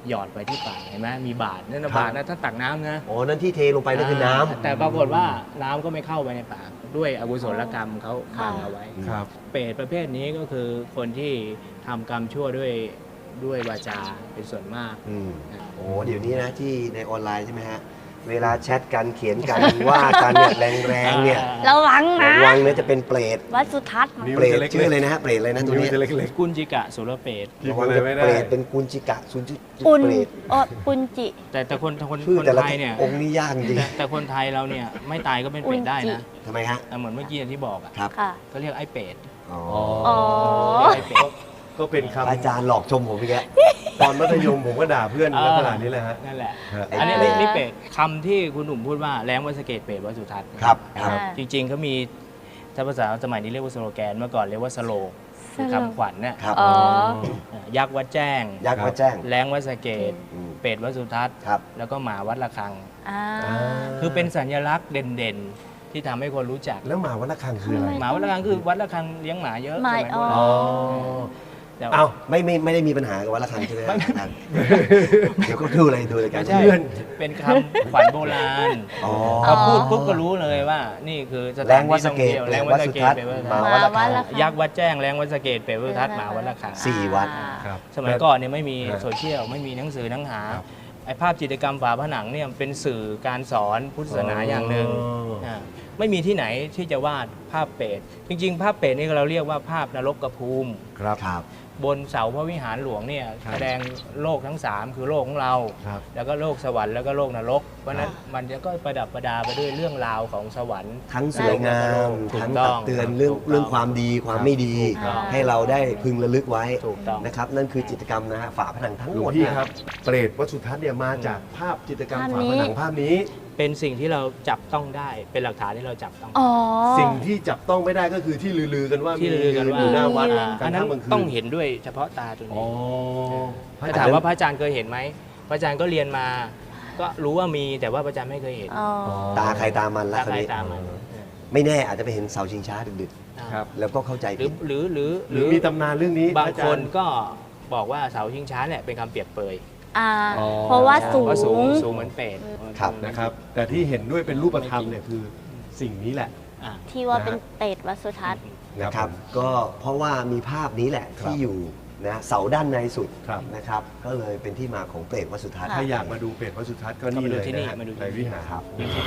[SPEAKER 3] หยอดไปที่ปากเห็นไหมมีบาตรนั่นนะ
[SPEAKER 4] ครับ
[SPEAKER 3] บาตรนะถ้าตักน้ำนะ
[SPEAKER 4] อ๋อนั่นที่เทลงไปนั่นคือน้ำ
[SPEAKER 3] แต่ปรากฏว่าน้ำก็ไม่เข้าไปในปากด้วยอกุศลกรรมเขาขังเอาไว้
[SPEAKER 1] ครับ
[SPEAKER 3] เปรตประเภทนี้ก็คือคนที่ทำกรรมชั่วด้วยด้วยวาจาเป็นส่วนมาก
[SPEAKER 4] อืมโอ้เดี๋ยวนี้นะที่ในออนไลน์ใช่ไหมฮะ เวลาแชทกันเขียนกัน ว่ากันเนี่ยแรงๆเนี่ย
[SPEAKER 2] ระวังนะ
[SPEAKER 4] ระวังเนี่ยจะเป็นเปรต
[SPEAKER 2] วัดสุทัศน์
[SPEAKER 1] นิ้ว
[SPEAKER 4] เปรต
[SPEAKER 1] จะเล็กๆ
[SPEAKER 4] ชื่ออะไรนะฮะเปรตอะไรนะตัว
[SPEAKER 1] นิ้ว
[SPEAKER 4] เนี้ย
[SPEAKER 1] จะเล็ก
[SPEAKER 3] กุญจิกะสุรเปรต
[SPEAKER 1] ๆพิม
[SPEAKER 4] ระ
[SPEAKER 1] พ์
[SPEAKER 4] วัง
[SPEAKER 1] อะไร
[SPEAKER 4] จะ
[SPEAKER 1] ไม่
[SPEAKER 4] เปร
[SPEAKER 1] ได้
[SPEAKER 4] ตเป็นกุญจิกะสุนจิ
[SPEAKER 2] ปุน
[SPEAKER 4] เปรต
[SPEAKER 2] เออปุนจิ
[SPEAKER 3] แต่แต่คนคน
[SPEAKER 4] ชื่อ
[SPEAKER 3] คน
[SPEAKER 4] แต่ละ
[SPEAKER 3] ไทยเนี่ย
[SPEAKER 4] องค์นี้ยากจริง
[SPEAKER 3] แต่แต่คนไทยเราเนี่ยไม่ตายก็เป็นเปรตได้นะ
[SPEAKER 4] ทำไมฮะ
[SPEAKER 3] อ่ะเหมือนเมื่อกี้ที่บอกอ่ะ
[SPEAKER 4] ครับ
[SPEAKER 2] ค่ะ
[SPEAKER 3] ก็เรียกไอ้เปรต
[SPEAKER 4] อ๋อ
[SPEAKER 2] อ๋อ
[SPEAKER 3] เรียกไอ้เปรต
[SPEAKER 1] ก็เป็น
[SPEAKER 4] อา
[SPEAKER 1] คำ
[SPEAKER 4] จารย์หลอกชมผมอีกแล้ว
[SPEAKER 1] ตอนมัธยมผมก็ด่าเพื่อนลักษณะนี้แหละฮะ
[SPEAKER 3] นั่นแหละ
[SPEAKER 1] ฮะ
[SPEAKER 3] อันนี้
[SPEAKER 2] เอ่อ
[SPEAKER 3] นี่นี่เปรตคำที่คุณหนุ่มพูดว่าแรงวัดสะเกตเปรตวัดสุทัศน์
[SPEAKER 4] ครับครับ
[SPEAKER 2] อ่า
[SPEAKER 3] จริงๆเขามีถ้าภาษาสมัยนี้เรียกว่าสโลแกนเมื่อก่อนเรียกว่าสโลกคือคำขวัญเนี่ย
[SPEAKER 4] ครับ
[SPEAKER 2] อ๋อ
[SPEAKER 3] ยักษ์วัดแจ้ง
[SPEAKER 4] ยักษ์มาแจ้ง
[SPEAKER 3] แรงวัดสะเกต
[SPEAKER 4] อืม
[SPEAKER 3] เปรตวัดสุทัศน์
[SPEAKER 4] ครับ
[SPEAKER 3] แล้วก็หมาวัดระฆัง
[SPEAKER 2] อ่า
[SPEAKER 3] คือเป็นสัญลักษณ์เด่นๆ ที่ทำให้คนรู้จัก
[SPEAKER 1] แล้วหมาวัดระฆังคืออะไร
[SPEAKER 3] หมาวัดระฆังคือวัดระฆังเลี้ยงหมาเยอะ
[SPEAKER 2] หมา
[SPEAKER 3] สมัยโบราณ
[SPEAKER 2] อ๋อ
[SPEAKER 3] แต่
[SPEAKER 4] เอ้าไม่ไม่ไม่ได้มีปัญหากับวัดระฆังใช่ไหมฮะอาจารย์เดี๋ยวก็ดูอะไรดูอะไรกัน
[SPEAKER 3] ไม่ใช่ เป็นคำขวัญโบราณ
[SPEAKER 4] อ๋อ
[SPEAKER 3] พอพูดปุ๊บก็รู้เลยว่า นี่คือส
[SPEAKER 4] แร
[SPEAKER 3] ถาน
[SPEAKER 4] งวัด
[SPEAKER 3] ที่
[SPEAKER 4] สะ
[SPEAKER 3] ท่อง
[SPEAKER 4] เกต
[SPEAKER 3] เที่ยว
[SPEAKER 4] แร
[SPEAKER 3] แรง ง
[SPEAKER 4] วั
[SPEAKER 3] วั
[SPEAKER 4] ด
[SPEAKER 3] ด
[SPEAKER 4] สุ
[SPEAKER 3] สะเก
[SPEAKER 4] ทั
[SPEAKER 3] ต
[SPEAKER 4] ศน์
[SPEAKER 3] เปรตวัด
[SPEAKER 4] หมา
[SPEAKER 3] ระ
[SPEAKER 4] วัด
[SPEAKER 3] ฆัง
[SPEAKER 4] ระฆัง
[SPEAKER 2] วัดระฆัง
[SPEAKER 3] ยักษ์วัดแจ้งแรงวัดสะเกตเปรตวัดสุทัศน์หมาวัดระฆัง
[SPEAKER 4] สี่วัด
[SPEAKER 1] ครับ
[SPEAKER 3] สมัยก่อนเนี่ยไม่มี
[SPEAKER 1] ครับ
[SPEAKER 3] โซเชียลไม่มีหนังสือหนังหา
[SPEAKER 1] ครับ
[SPEAKER 3] ไอภาพจิตรกรรมฝาผนังเนี่ยเป็นสื่อการสอนพุทธศาสนาอย่างหนึ่ง
[SPEAKER 1] อ๋อ
[SPEAKER 3] าไม่มีที่ไหนที่จะวาดภาพเปรตจริงๆ ภาพเปรตนี่เราเรียกว่าภาพนรกภูมิ
[SPEAKER 1] ครับ
[SPEAKER 4] ครับ
[SPEAKER 3] บนเสาพระวิหารหลวงเนี่ย
[SPEAKER 1] ครับ
[SPEAKER 3] แสดงโลกทั้งสามคือโลกของเรา
[SPEAKER 1] ครับ
[SPEAKER 3] แล้วก็โลกสวรรค์แล้วก็โลกนรก เพราะฉะนั้นมันจะก็ประดับประดาไปด้วยเรื่องราวของสวรรค์
[SPEAKER 4] ทั้งสวยงาม
[SPEAKER 3] ถู
[SPEAKER 4] ทั้
[SPEAKER 3] ก
[SPEAKER 4] ง
[SPEAKER 3] ต้
[SPEAKER 4] ตั
[SPEAKER 3] อก ง
[SPEAKER 4] เตือนเรื่อง
[SPEAKER 3] ถูกต้อง
[SPEAKER 4] เรื่องความดีความไม่ดี
[SPEAKER 3] ถูกต้อง
[SPEAKER 4] ให้เราได้พึงระลึกไว้
[SPEAKER 3] ถูกต้อง
[SPEAKER 4] นะครับ นั่นคือจิตรกรรมนะฮะฝาผนังทั้ง
[SPEAKER 1] หล
[SPEAKER 4] ห
[SPEAKER 1] ว
[SPEAKER 4] ม
[SPEAKER 1] ง
[SPEAKER 4] ด
[SPEAKER 1] พี่
[SPEAKER 4] นะครับ
[SPEAKER 1] เปรตวัดสุทัศน์เนี่ยมาจากภาพจิตรกรรม
[SPEAKER 2] ภาพ
[SPEAKER 1] ฝา
[SPEAKER 2] นี้
[SPEAKER 1] ผนังภาพนี้
[SPEAKER 3] เป็นสิ่งที่เราจับต้องได้เป็นหลักฐานที่เราจับต้อง
[SPEAKER 2] อ๋อ
[SPEAKER 1] สิ่งที่จับต้องไม่ได้ก็คือที่ลือๆกันว่า
[SPEAKER 3] ที่ลือกันว่า
[SPEAKER 1] อยู่หน้าวัด
[SPEAKER 3] อ่าก
[SPEAKER 1] ลา
[SPEAKER 3] อั
[SPEAKER 1] ง
[SPEAKER 3] นนั้น
[SPEAKER 1] ค่ำกลางคืน
[SPEAKER 3] ต้องเห็นด้วยเฉพาะตาตัว
[SPEAKER 1] อ๋อ
[SPEAKER 3] นี้ถ้าถามว่าพระอาจารย์เคยเห็นไหมพระอาจารย์ก็เรียนมา ก็รู้ว่ามีแต่ว่าพระอาจารย์ไม่เคยเห็น
[SPEAKER 2] อ๋อ
[SPEAKER 4] ตาใครตามันละ
[SPEAKER 3] ตา
[SPEAKER 4] คราว
[SPEAKER 3] ใคร
[SPEAKER 4] นี้
[SPEAKER 3] ตามมัน
[SPEAKER 4] ไม่แน่อาจจะไปเห็นเสาชิงช้าดึก
[SPEAKER 1] ครับ
[SPEAKER 4] ๆ แล้วก็เข้าใจ
[SPEAKER 3] หรื
[SPEAKER 4] ผิ
[SPEAKER 3] อ
[SPEAKER 4] ด
[SPEAKER 3] หรือหรือ
[SPEAKER 1] หรือมีตำนานเรื่องนี้
[SPEAKER 3] บาง
[SPEAKER 1] อาจ
[SPEAKER 3] ค
[SPEAKER 1] ร
[SPEAKER 3] น
[SPEAKER 1] ย์
[SPEAKER 3] ก็บอกว่าเสาชิงช้าเนี่ยเป็นคำเปรียบเปย
[SPEAKER 2] อ่า
[SPEAKER 1] อ๋อ
[SPEAKER 2] เพราะว่าสู
[SPEAKER 3] ว่าสูง
[SPEAKER 2] ง
[SPEAKER 3] สูงเหมือนเปรต
[SPEAKER 4] ครับ
[SPEAKER 1] นะครับ แต่ที่เห็นด้วยเป็นรูปธรรมเนี่ยคือสิ่งนี้แหละ
[SPEAKER 3] อ่ะ
[SPEAKER 2] ที่ว่าเป็นเปรตวัดสุทัศน์
[SPEAKER 4] นะครับ
[SPEAKER 1] ผม
[SPEAKER 4] ก็เพราะว่ามีภาพนี้แหละ
[SPEAKER 1] ครับ
[SPEAKER 4] ที่อยู่นะเสาด้านในสุด
[SPEAKER 1] ครับ
[SPEAKER 4] นะครับ ก็เลยเป็นที่มาของเปรตวัดสุทัศน์
[SPEAKER 1] ถ้าอยากมาดูเปรตวัดสุทัศน์ก็นี่เลยนะฮะในวิหาร
[SPEAKER 4] ครับ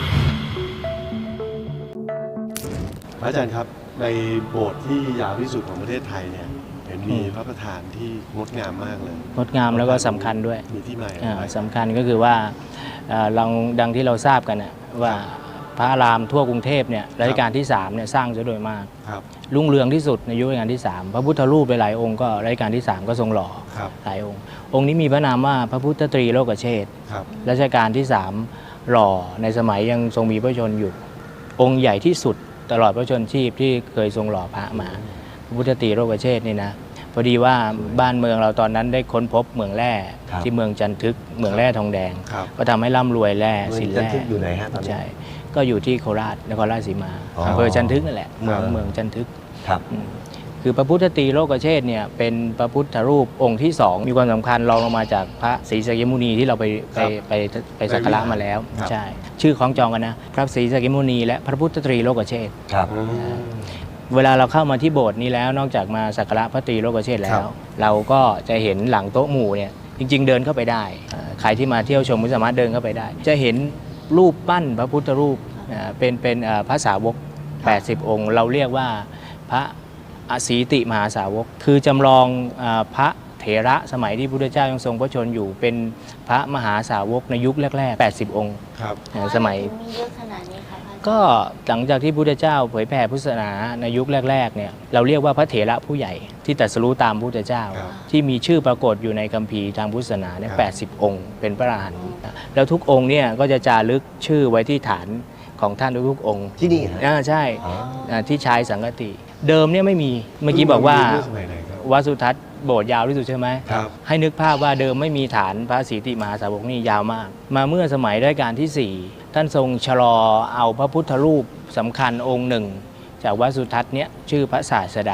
[SPEAKER 1] พระอาจารย์ครับในโบสถ์ที่ยาวที่สุดของประเทศไทยเนี่ยเห็นมีพระประธานที่งดงามมากเลย
[SPEAKER 3] งดงามแล้วก็สำคัญด้วย
[SPEAKER 1] มีที่มาอย่าง
[SPEAKER 3] อ่า
[SPEAKER 1] ไร
[SPEAKER 3] สำคัญก็คือว่าเอ่อเราดังที่เราทราบกันนะว่าพระอารามทั่วกรุงเทพเนี่ยรัชกาลที่สามเนี่ยสร้างซะโดยมาก
[SPEAKER 1] ครับ
[SPEAKER 3] รุ่งเรืองที่สุดในยุครัชกาลที่สามพระพุทธรูปหลายๆองค์ก็รัชกาลที่สามก็ทรงหล่อ
[SPEAKER 1] ครับ
[SPEAKER 3] หลายองค์ องค์นี้มีพระนามว่าพระพุทธตรีโลกเชษฐ์
[SPEAKER 1] ครับ
[SPEAKER 3] รัชกาลที่สามหล่อในสมัยยังทรงมีพระชนม์อยู่ องค์ใหญ่ที่สุดตลอดพระชนชีพที่เคยทรงหล่อพระมา พระพุทธตรีโลกเชษฐ์นี่นะพอดีว่าบ้านเมืองเราตอนนั้นได้ค้นพบเหมืองแร่
[SPEAKER 4] ครับ
[SPEAKER 3] ที่เมืองจันทึกเหมืองแร่ทองแดง
[SPEAKER 1] ครับ
[SPEAKER 3] ก็ทำให้ร่ำรวยแร่
[SPEAKER 4] เมือง
[SPEAKER 3] สิน
[SPEAKER 4] จัน
[SPEAKER 3] แร่
[SPEAKER 4] ทึกอยู่ไหนฮะตอนนี้
[SPEAKER 3] ใช่ก็อยู่ที่โคราชนครราชสีมา
[SPEAKER 4] อ๋อ
[SPEAKER 3] อำเภอจันทึกนั่นแหละเมือง
[SPEAKER 1] ครับ
[SPEAKER 3] เมืองจันทึก
[SPEAKER 4] ครับ
[SPEAKER 3] อืมคือพระพุทธตรีโลกเชษฐ์เนี่ยเป็นพระพุทธรูปองค์ที่สองมีความสำคัญรองลงมาจากพระศรีสักยมุนีที่เราไปไปไปไปสักการะมาแล้ว
[SPEAKER 1] ครับ
[SPEAKER 3] ใช่ชื่อของจองกันนะพระศรีสักยมุนีและพระพุทธตรีโลกเชษฐ์
[SPEAKER 4] ครับ
[SPEAKER 1] อืม
[SPEAKER 3] เวลาเราเข้ามาที่โบสถ์นี้แล้วนอกจากมาสักการะพระตรีโลกเชษฐ์แล้
[SPEAKER 1] ครั
[SPEAKER 3] ว
[SPEAKER 1] บ
[SPEAKER 3] เราก็จะเห็นหลังโต๊ะหมู่เนี่ยจริง ๆ เดินเข้าไปได้เอ่อใครที่มาเที่ยวชมก็สามารถเดินเข้าไปได้ จะเห็นรูปปั้นพระพุทธรูปอ่าเป็นเป็นเอ่อพระสาวก แปดสิบ องค์ เราเรียกว่าพระอสีติมหาสาวก คือจำลองอาพระเถระสมัยที่พระพุทธเจ้ายังทรงพระชนอยู่เป็นพระมหาสาวกในยุคแรกๆ แปดสิบ องค์
[SPEAKER 1] ครับ
[SPEAKER 3] เอ่อสมัย
[SPEAKER 2] มีเยอะขนาดนี้คะพระอาจารย์
[SPEAKER 3] ก็หลังจากที่พระพุทธเจ้าเผยแผ่พุทธศาสนาในยุคแรกๆเนี่ยเราเรียกว่าพระเถระผู้ใหญ่ที่ตรัสรู้ตามพระพุทธเจ้า
[SPEAKER 1] ครับ
[SPEAKER 3] ที่มีชื่อปรากฏอยู่ในคัมภีร์ทางพุทธศาสนาเนี่ยแปดสิบ องค์ เป็นพระอรหันต์แล้วทุกองค์เนี่ยก็จะจารึกชื่อไว้ที่ฐานของท่านทุกๆองค์
[SPEAKER 4] ที่นี่ฮะ
[SPEAKER 3] อ่าใช่
[SPEAKER 4] อ๋อ
[SPEAKER 3] อ่าที่ชายสังกติ เดิมเนี่ยไม่มีเมื่อกี้บอกว่า
[SPEAKER 1] เมื่สมัยไหนครับ
[SPEAKER 3] วัดสุทัศน์โบสถ์ยาวที่สุดใช่ไหม
[SPEAKER 1] ครับ
[SPEAKER 3] ให้นึกภาพว่าเดิมไม่มีฐานพระศรีติมหาสาวกนี่ยาวมาก มาเมื่อสมัยรัชกาลที่ 4 ท่านทรงชะลอเอาพระพุทธรูปสำคัญองค์หนึ่ง จากวัดสุทัศน์เนี้ยชื่อพระศาสดา ป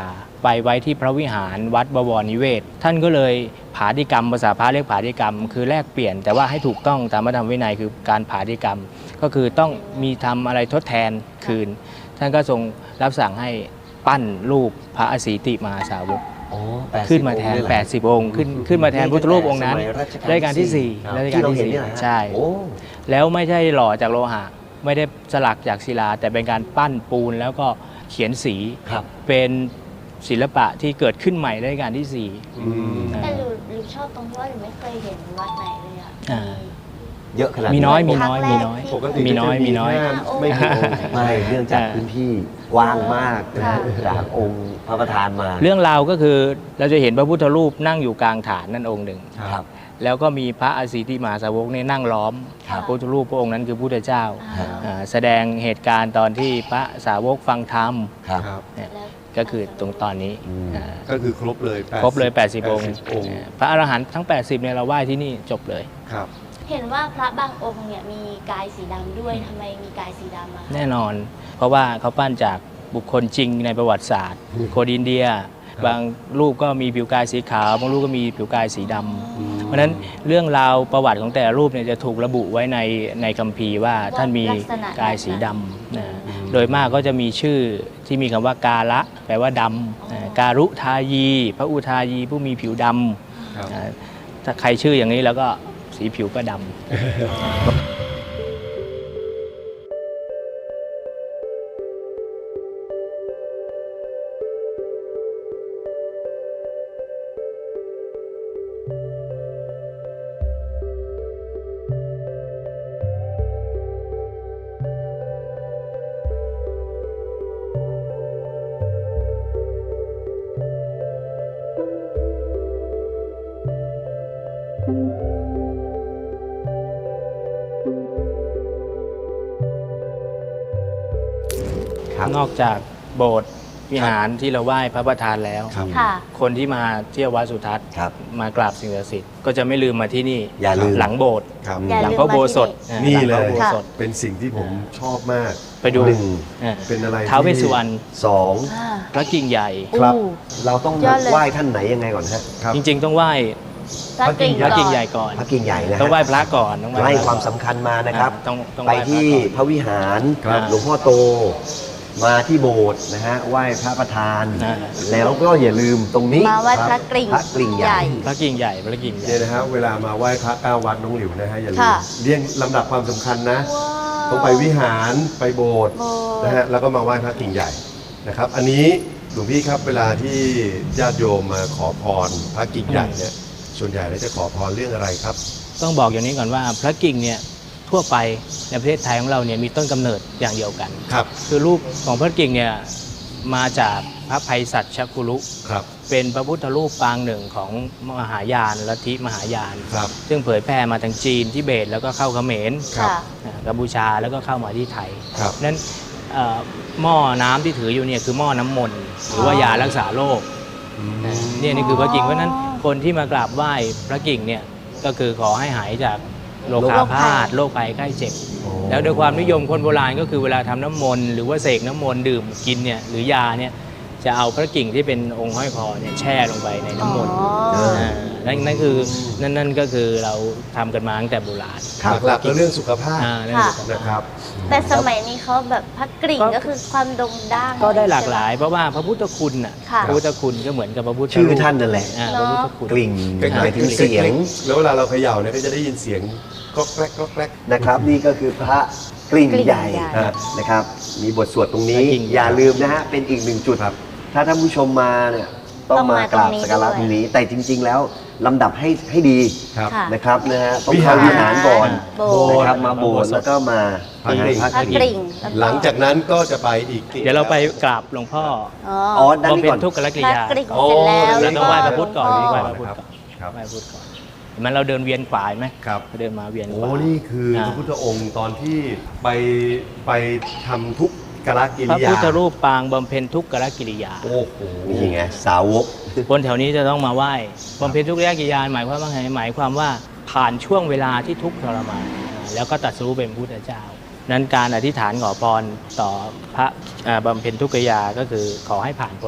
[SPEAKER 3] ไปไว้ที่พระวิหารวัดบวรนิเวศท่านก็เลยผาธิกรรมภาษาพระเรียกผาธิกรรมคือแลกเปลี่ยนแต่ว่าให้ถูกต้องตามพระธรรมวินัยคือการผาธิกรรมก็คือต้องมีทำอะไรทดแทนคืนท่านก็ทรงรับสั่งให้ปั้นรูปพระอสีติมหาสาวก
[SPEAKER 4] อ๋อแปดสิบ
[SPEAKER 3] ขึ้นมาแทน
[SPEAKER 4] องค์เลยเหรอ
[SPEAKER 3] แปดสิบ องค์ขึ้นขึ้นมาแทนพุทธรูปองค์นั้น
[SPEAKER 4] สมัยรัชกาล
[SPEAKER 3] รัชกาลที่สี่
[SPEAKER 4] ครับ
[SPEAKER 3] รัชกาล
[SPEAKER 4] ที่เรา
[SPEAKER 3] ที่
[SPEAKER 4] เห็น
[SPEAKER 3] สี่
[SPEAKER 4] เนี่ยนะฮะ
[SPEAKER 3] ใช่
[SPEAKER 4] โอ้
[SPEAKER 3] แล้วไม่ใช่หล่อจากโลหะไม่ได้สลักจากศิลา แต่เป็นการปั้นปูนแล้วก็เขียนสี
[SPEAKER 4] ครับ
[SPEAKER 3] เป็นศิลปะที่เกิดขึ้นใหม่ในรัชกาลที่สี่
[SPEAKER 1] อืม
[SPEAKER 2] แต่หนูหนูชอบตรงที่ว่าหนูไม่เคยเห็นวัดไหนเลยอ่ะ
[SPEAKER 3] อ่า
[SPEAKER 4] เยอะขนาด
[SPEAKER 3] มีน้อยมี
[SPEAKER 2] ครั้
[SPEAKER 3] น้
[SPEAKER 2] ง
[SPEAKER 3] อย
[SPEAKER 2] แรก
[SPEAKER 3] มีน้อย
[SPEAKER 2] ที่
[SPEAKER 1] ปกติ
[SPEAKER 3] มีน้อย
[SPEAKER 1] ก็จะ
[SPEAKER 3] มีน้อย
[SPEAKER 1] แค่ไม่กี่องค์
[SPEAKER 4] ไม่เนื่องจาก
[SPEAKER 3] อ่า
[SPEAKER 4] พื้นที่กว้างมากนะฮะ
[SPEAKER 2] ค่ะ
[SPEAKER 4] จากองค์พระประธานมา
[SPEAKER 3] เรื่องราวก็คือเราจะเห็นพระพุทธรูปนั่งอยู่กลางฐานนั่นองค์หนึ่ง
[SPEAKER 4] ครับ
[SPEAKER 3] แล้วก็มีพระอสีติมหาสาวกเนี่ยนั่งล้อม
[SPEAKER 4] ครับ
[SPEAKER 3] พระพุทธรูปพระองค์นั้นคือพระพุทธเจ้า
[SPEAKER 2] อ่า
[SPEAKER 3] อ่าแสดงเหตุการณ์ตอนที่พระสาวกฟังธรรม
[SPEAKER 4] ครับ
[SPEAKER 1] ครับ
[SPEAKER 3] เนี่ย
[SPEAKER 2] แล้ว
[SPEAKER 3] ก็คือตรงตอนนี้
[SPEAKER 4] อืม
[SPEAKER 3] อ่า
[SPEAKER 1] ก็คือครบเลยแปดสิบ
[SPEAKER 3] ครบเลย แปดสิบ องค์
[SPEAKER 1] แปดสิบองค์
[SPEAKER 3] อ่าพระอรหันต์ทั้ง แปดสิบเนี่ยเราไหว้ที่นี่จบเลย
[SPEAKER 1] ครับ
[SPEAKER 2] เห็นว่าพระบางองค์เนี่ยมีกายสีดำด้วยทำไมมีกายสีดำอะคะ
[SPEAKER 3] แน่นอน เพราะว่าเขาปั้นจากบุคคลจริงในประวัติศาสตร์คนอินเดีย บางรูปก็มีผิวกายสีขาวบางรูปก็มีผิวกายสีดำเพราะฉะนั้นเรื่องราวประวัติของแต่ละรูปเนี่ยจะถูกระบุไว้ในในคัมภีร์ว่าท่านมีกายสีดำนะโดยมากก็จะมีชื่อที่มีคำว่ากาละแปลว่าดำอ่าการุทายี พระอุทายีผู้มีผิวด
[SPEAKER 1] ครับ
[SPEAKER 3] ำอ่าถ้าใครชื่ออย่างนี้แล้วก็สีผิวก็ดำ
[SPEAKER 4] ครับ
[SPEAKER 3] นอกจากโบสถ์วิหารที่เราไหว้พระประธานแล้ว
[SPEAKER 1] ครับ
[SPEAKER 2] ค่ะ
[SPEAKER 3] คนที่มาเที่ยววัดสุทัศน์
[SPEAKER 4] ครับ
[SPEAKER 3] มากราบสิ่งศักดิ์สิทธิ์ก็จะไม่ลืมมาที่นี่
[SPEAKER 4] อย่าลืม
[SPEAKER 3] หลังโบสถ์
[SPEAKER 1] ครับ
[SPEAKER 2] อย่า
[SPEAKER 3] หลัง
[SPEAKER 2] ลืม
[SPEAKER 3] พระโบสถ
[SPEAKER 2] มาที่
[SPEAKER 1] นี่
[SPEAKER 3] ห
[SPEAKER 1] เล
[SPEAKER 3] งพ
[SPEAKER 1] ย
[SPEAKER 3] ระโบสถ
[SPEAKER 1] เป็นสิ่งที่ผมชอบมาก
[SPEAKER 3] ไปดู
[SPEAKER 4] หนึ่ง
[SPEAKER 3] อ่า
[SPEAKER 1] เป็นอะไร
[SPEAKER 3] ท้าวเวส
[SPEAKER 1] ที่
[SPEAKER 3] สุวรรณ
[SPEAKER 4] สอง
[SPEAKER 2] อ่า
[SPEAKER 3] พระกิ่งใหญ่
[SPEAKER 1] ครับ
[SPEAKER 2] อู้
[SPEAKER 4] เราต้อง
[SPEAKER 2] ยอดเลย
[SPEAKER 4] ไหว้ท่านไหนยังไงก่อนฮะ
[SPEAKER 1] ครับ
[SPEAKER 3] จริงๆต้องไหว้
[SPEAKER 2] พระกิ่ง
[SPEAKER 3] พระ
[SPEAKER 2] ก่
[SPEAKER 3] กิ่ง
[SPEAKER 2] อน
[SPEAKER 3] ใหญ่ก่อน
[SPEAKER 4] พระกิ่งใหญ่นะฮะ
[SPEAKER 3] ต้องไหว้พระก่อนต้องไหว้
[SPEAKER 4] ไล่
[SPEAKER 3] พระ
[SPEAKER 4] ความ
[SPEAKER 3] ก่อน
[SPEAKER 4] สำคัญมานะครับ
[SPEAKER 3] อ่าต้องต้อง
[SPEAKER 4] ไป
[SPEAKER 3] ไหว้พระ
[SPEAKER 4] ที่
[SPEAKER 3] ก่อน
[SPEAKER 4] พระวิหาร
[SPEAKER 1] ครับ
[SPEAKER 4] หลวงพ่อโต มาที่โบสถ์นะฮะไหว้พระประธาน
[SPEAKER 3] อ่า
[SPEAKER 4] แล้วก็อย่าลืมตรงนี้
[SPEAKER 2] มาไหว้พระกริ่ง
[SPEAKER 4] พระกริ่งใหญ่
[SPEAKER 3] พระกิ่งใหญ่พระกิ่งใหญ่
[SPEAKER 1] เนี่ยนะฮะเวลามาไหว้พระเก้าวัดน้องหลิวนะฮะอย่าลืม
[SPEAKER 2] ค่ะ
[SPEAKER 1] เรียงลำดับความสำคัญนะ
[SPEAKER 2] ว้าว
[SPEAKER 1] ต้องไปวิหารไปโบสถ์
[SPEAKER 2] โบสถ์
[SPEAKER 1] นะฮะแล้วก็มาไหว้พระกิ่งใหญ่นะครับ อันนี้หลวงพี่ครับเวลาที่ญาติโยมมาขอพรพระกิ่งใหญ่เนี่ยส่วนใหญ่แล้วจะขอพรเรื่องอะไรครับ
[SPEAKER 3] ต้องบอกอย่างนี้ก่อนว่าพระกิ่งเนี่ยทั่วไปในประเทศไทยของเราเนี่ยมีต้นกำเนิดอย่างเดียวกัน
[SPEAKER 1] ครับ
[SPEAKER 3] คือรูปของพระกิ่งเนี่ยมาจากพระไพศาลชคุรุ
[SPEAKER 1] ครับ
[SPEAKER 3] เป็นพระพุทธรูปปางหนึ่งของมหายานลัทธิมหายาน
[SPEAKER 1] ครับ
[SPEAKER 3] ซึ่งเผยแพร่มาทางจีนทิเบตแล้วก็เข้าเขมร
[SPEAKER 1] ครับ
[SPEAKER 2] ค่ะ
[SPEAKER 3] อ่ากัมพูชาแล้วก็เข้ามาที่ไทย
[SPEAKER 1] ครับ
[SPEAKER 3] นั้นเอ่อหม้อน้ำที่ถืออยู่เนี่ยคือหม้อน้ำมนต์หรือว่ายารักษาโรค
[SPEAKER 1] อืม
[SPEAKER 3] อ่าเนี่ยนี่คือพระกิ่งเพราะฉะนั้น
[SPEAKER 2] อ๋อ
[SPEAKER 3] คนที่มากราบไหว้พระกิ่งเนี่ยก็คือขอให้หายจากโรคาพาธโรคภัยไข้เจ็บ แล้วโดยความนิยมคนโบราณก็คือเวลาทำน้ำมนต์หรือว่าเสกน้ำมนต์ดื่มกินเนี่ยหรือยาเนี่ยจะเอาพระกิ่งที่เป็นองค์ห้อยคอเนี่ยแช่ลงไปในน้ำมนต์
[SPEAKER 2] อ๋อ
[SPEAKER 3] านั่นนั่นคือนั่นนั่นก็คือเราทำกันมาตั้งแต่โบราณ
[SPEAKER 1] หลักๆก็เรื่องสุขภาพ
[SPEAKER 3] อ่านั่น
[SPEAKER 2] ค่ะ
[SPEAKER 3] คือ
[SPEAKER 1] นะครับ
[SPEAKER 2] แต่สมัยนี้เขาแบบพระกริ่ง
[SPEAKER 3] ก็
[SPEAKER 2] ก็คือความโด่งดัง
[SPEAKER 3] ก็ได้หลากหลายเพราะว่าพระพุทธคุณน่ะ
[SPEAKER 2] ค่ะ
[SPEAKER 3] พระพุทธคุณก็เหมือนกับพระพุทธ
[SPEAKER 4] ชื่อ
[SPEAKER 3] รูป
[SPEAKER 4] ท่านนั่นแหละ
[SPEAKER 3] อ่า
[SPEAKER 2] เน
[SPEAKER 3] พ
[SPEAKER 2] อะ
[SPEAKER 3] ระพุทธคุณ
[SPEAKER 4] กลิ่ง
[SPEAKER 1] ใกล้ๆ
[SPEAKER 4] หมายถึงเสียง
[SPEAKER 1] แล้วเวลาเราเขย่าเนี่ยก็จะได้ยินเสียงก็แกรกก็แกรก
[SPEAKER 4] นะครับ นี่ก็คือพระกลิ่ง
[SPEAKER 2] กลิ่ง
[SPEAKER 4] ใหญ่
[SPEAKER 2] ใหญ่
[SPEAKER 4] ฮะนะครับ มีบทสวดตรงนี้
[SPEAKER 3] พระกลิ่งใหญ่
[SPEAKER 4] อย่าลืมนะฮะเป็นอีกหนึ่งจุด
[SPEAKER 1] ครับ
[SPEAKER 4] ถ้าท่านผู้ชมมาเนี่ยต้อง
[SPEAKER 2] ต้อง
[SPEAKER 4] มา
[SPEAKER 2] มา
[SPEAKER 4] กราบ
[SPEAKER 2] ตรงนี้
[SPEAKER 4] สักการะ
[SPEAKER 2] ด้วย
[SPEAKER 4] ตรงนี้ แต่จริง ๆ แล้วลำดับให้ให้ดี
[SPEAKER 1] ครับ
[SPEAKER 2] ค่ะ
[SPEAKER 4] นะครับนะฮะต้อง
[SPEAKER 1] วิหา
[SPEAKER 4] เข้าร วิหารก่อน
[SPEAKER 2] โบสถ์
[SPEAKER 4] นะครับมาโบสถ์แล้วก็มา
[SPEAKER 1] พระกริ่ง
[SPEAKER 4] พระ
[SPEAKER 2] พระ
[SPEAKER 4] ก
[SPEAKER 2] ก
[SPEAKER 4] ริ่ง
[SPEAKER 2] ริ่งแวก็
[SPEAKER 1] หลังจากนั้นก็จะไปอีก
[SPEAKER 3] เดี๋ยวเราไปกราบหลวงพ่อ
[SPEAKER 2] อ๋อ
[SPEAKER 4] อ๋อด้าน
[SPEAKER 3] บำ
[SPEAKER 4] นี้
[SPEAKER 3] เพ็
[SPEAKER 4] ก่
[SPEAKER 3] ญ
[SPEAKER 4] อน
[SPEAKER 3] ทุกขกิ
[SPEAKER 2] พ
[SPEAKER 3] ริ
[SPEAKER 2] ระ
[SPEAKER 3] ยาก
[SPEAKER 2] ริ่ง
[SPEAKER 1] โอ้
[SPEAKER 2] เสร็จแล้ว
[SPEAKER 3] เราต้องไหว้พระพุทธก่อน
[SPEAKER 2] หลวง
[SPEAKER 3] ไหว้
[SPEAKER 2] พ่
[SPEAKER 3] พระพุทธก่อน
[SPEAKER 1] ครับ
[SPEAKER 3] ไหว้พระพุทธก่อนเห็นไหมันเราเดินเวียนขวาเห็นไหม
[SPEAKER 1] ครับ
[SPEAKER 3] เราเดินมาเวียนข
[SPEAKER 1] โอ้
[SPEAKER 3] วา
[SPEAKER 1] นี่คือพระพุทธองค์ตอนที่ไปไปทำทุกกรกิ
[SPEAKER 3] พระ
[SPEAKER 1] ริยา
[SPEAKER 3] พุทธรูปปางบำเพ็ญทุกขกิริยา
[SPEAKER 1] โอ้โห
[SPEAKER 4] นี่ไงสาวก
[SPEAKER 3] คนแถวนี้จะต้องมาไหว้บำเพ็ญทุกขกิริยาหมายความว่าไงหมายความว่าผ่านช่วงเวลาที่ทุกข์ทรมานแล้วก็ตรัสรู้เป็นพุทธเจ้า นั้นการอธิษฐานขอพรต่อพระอ่าบำเพ็ญทุกขกิริยาก็คือขอให้ผ่านพ้น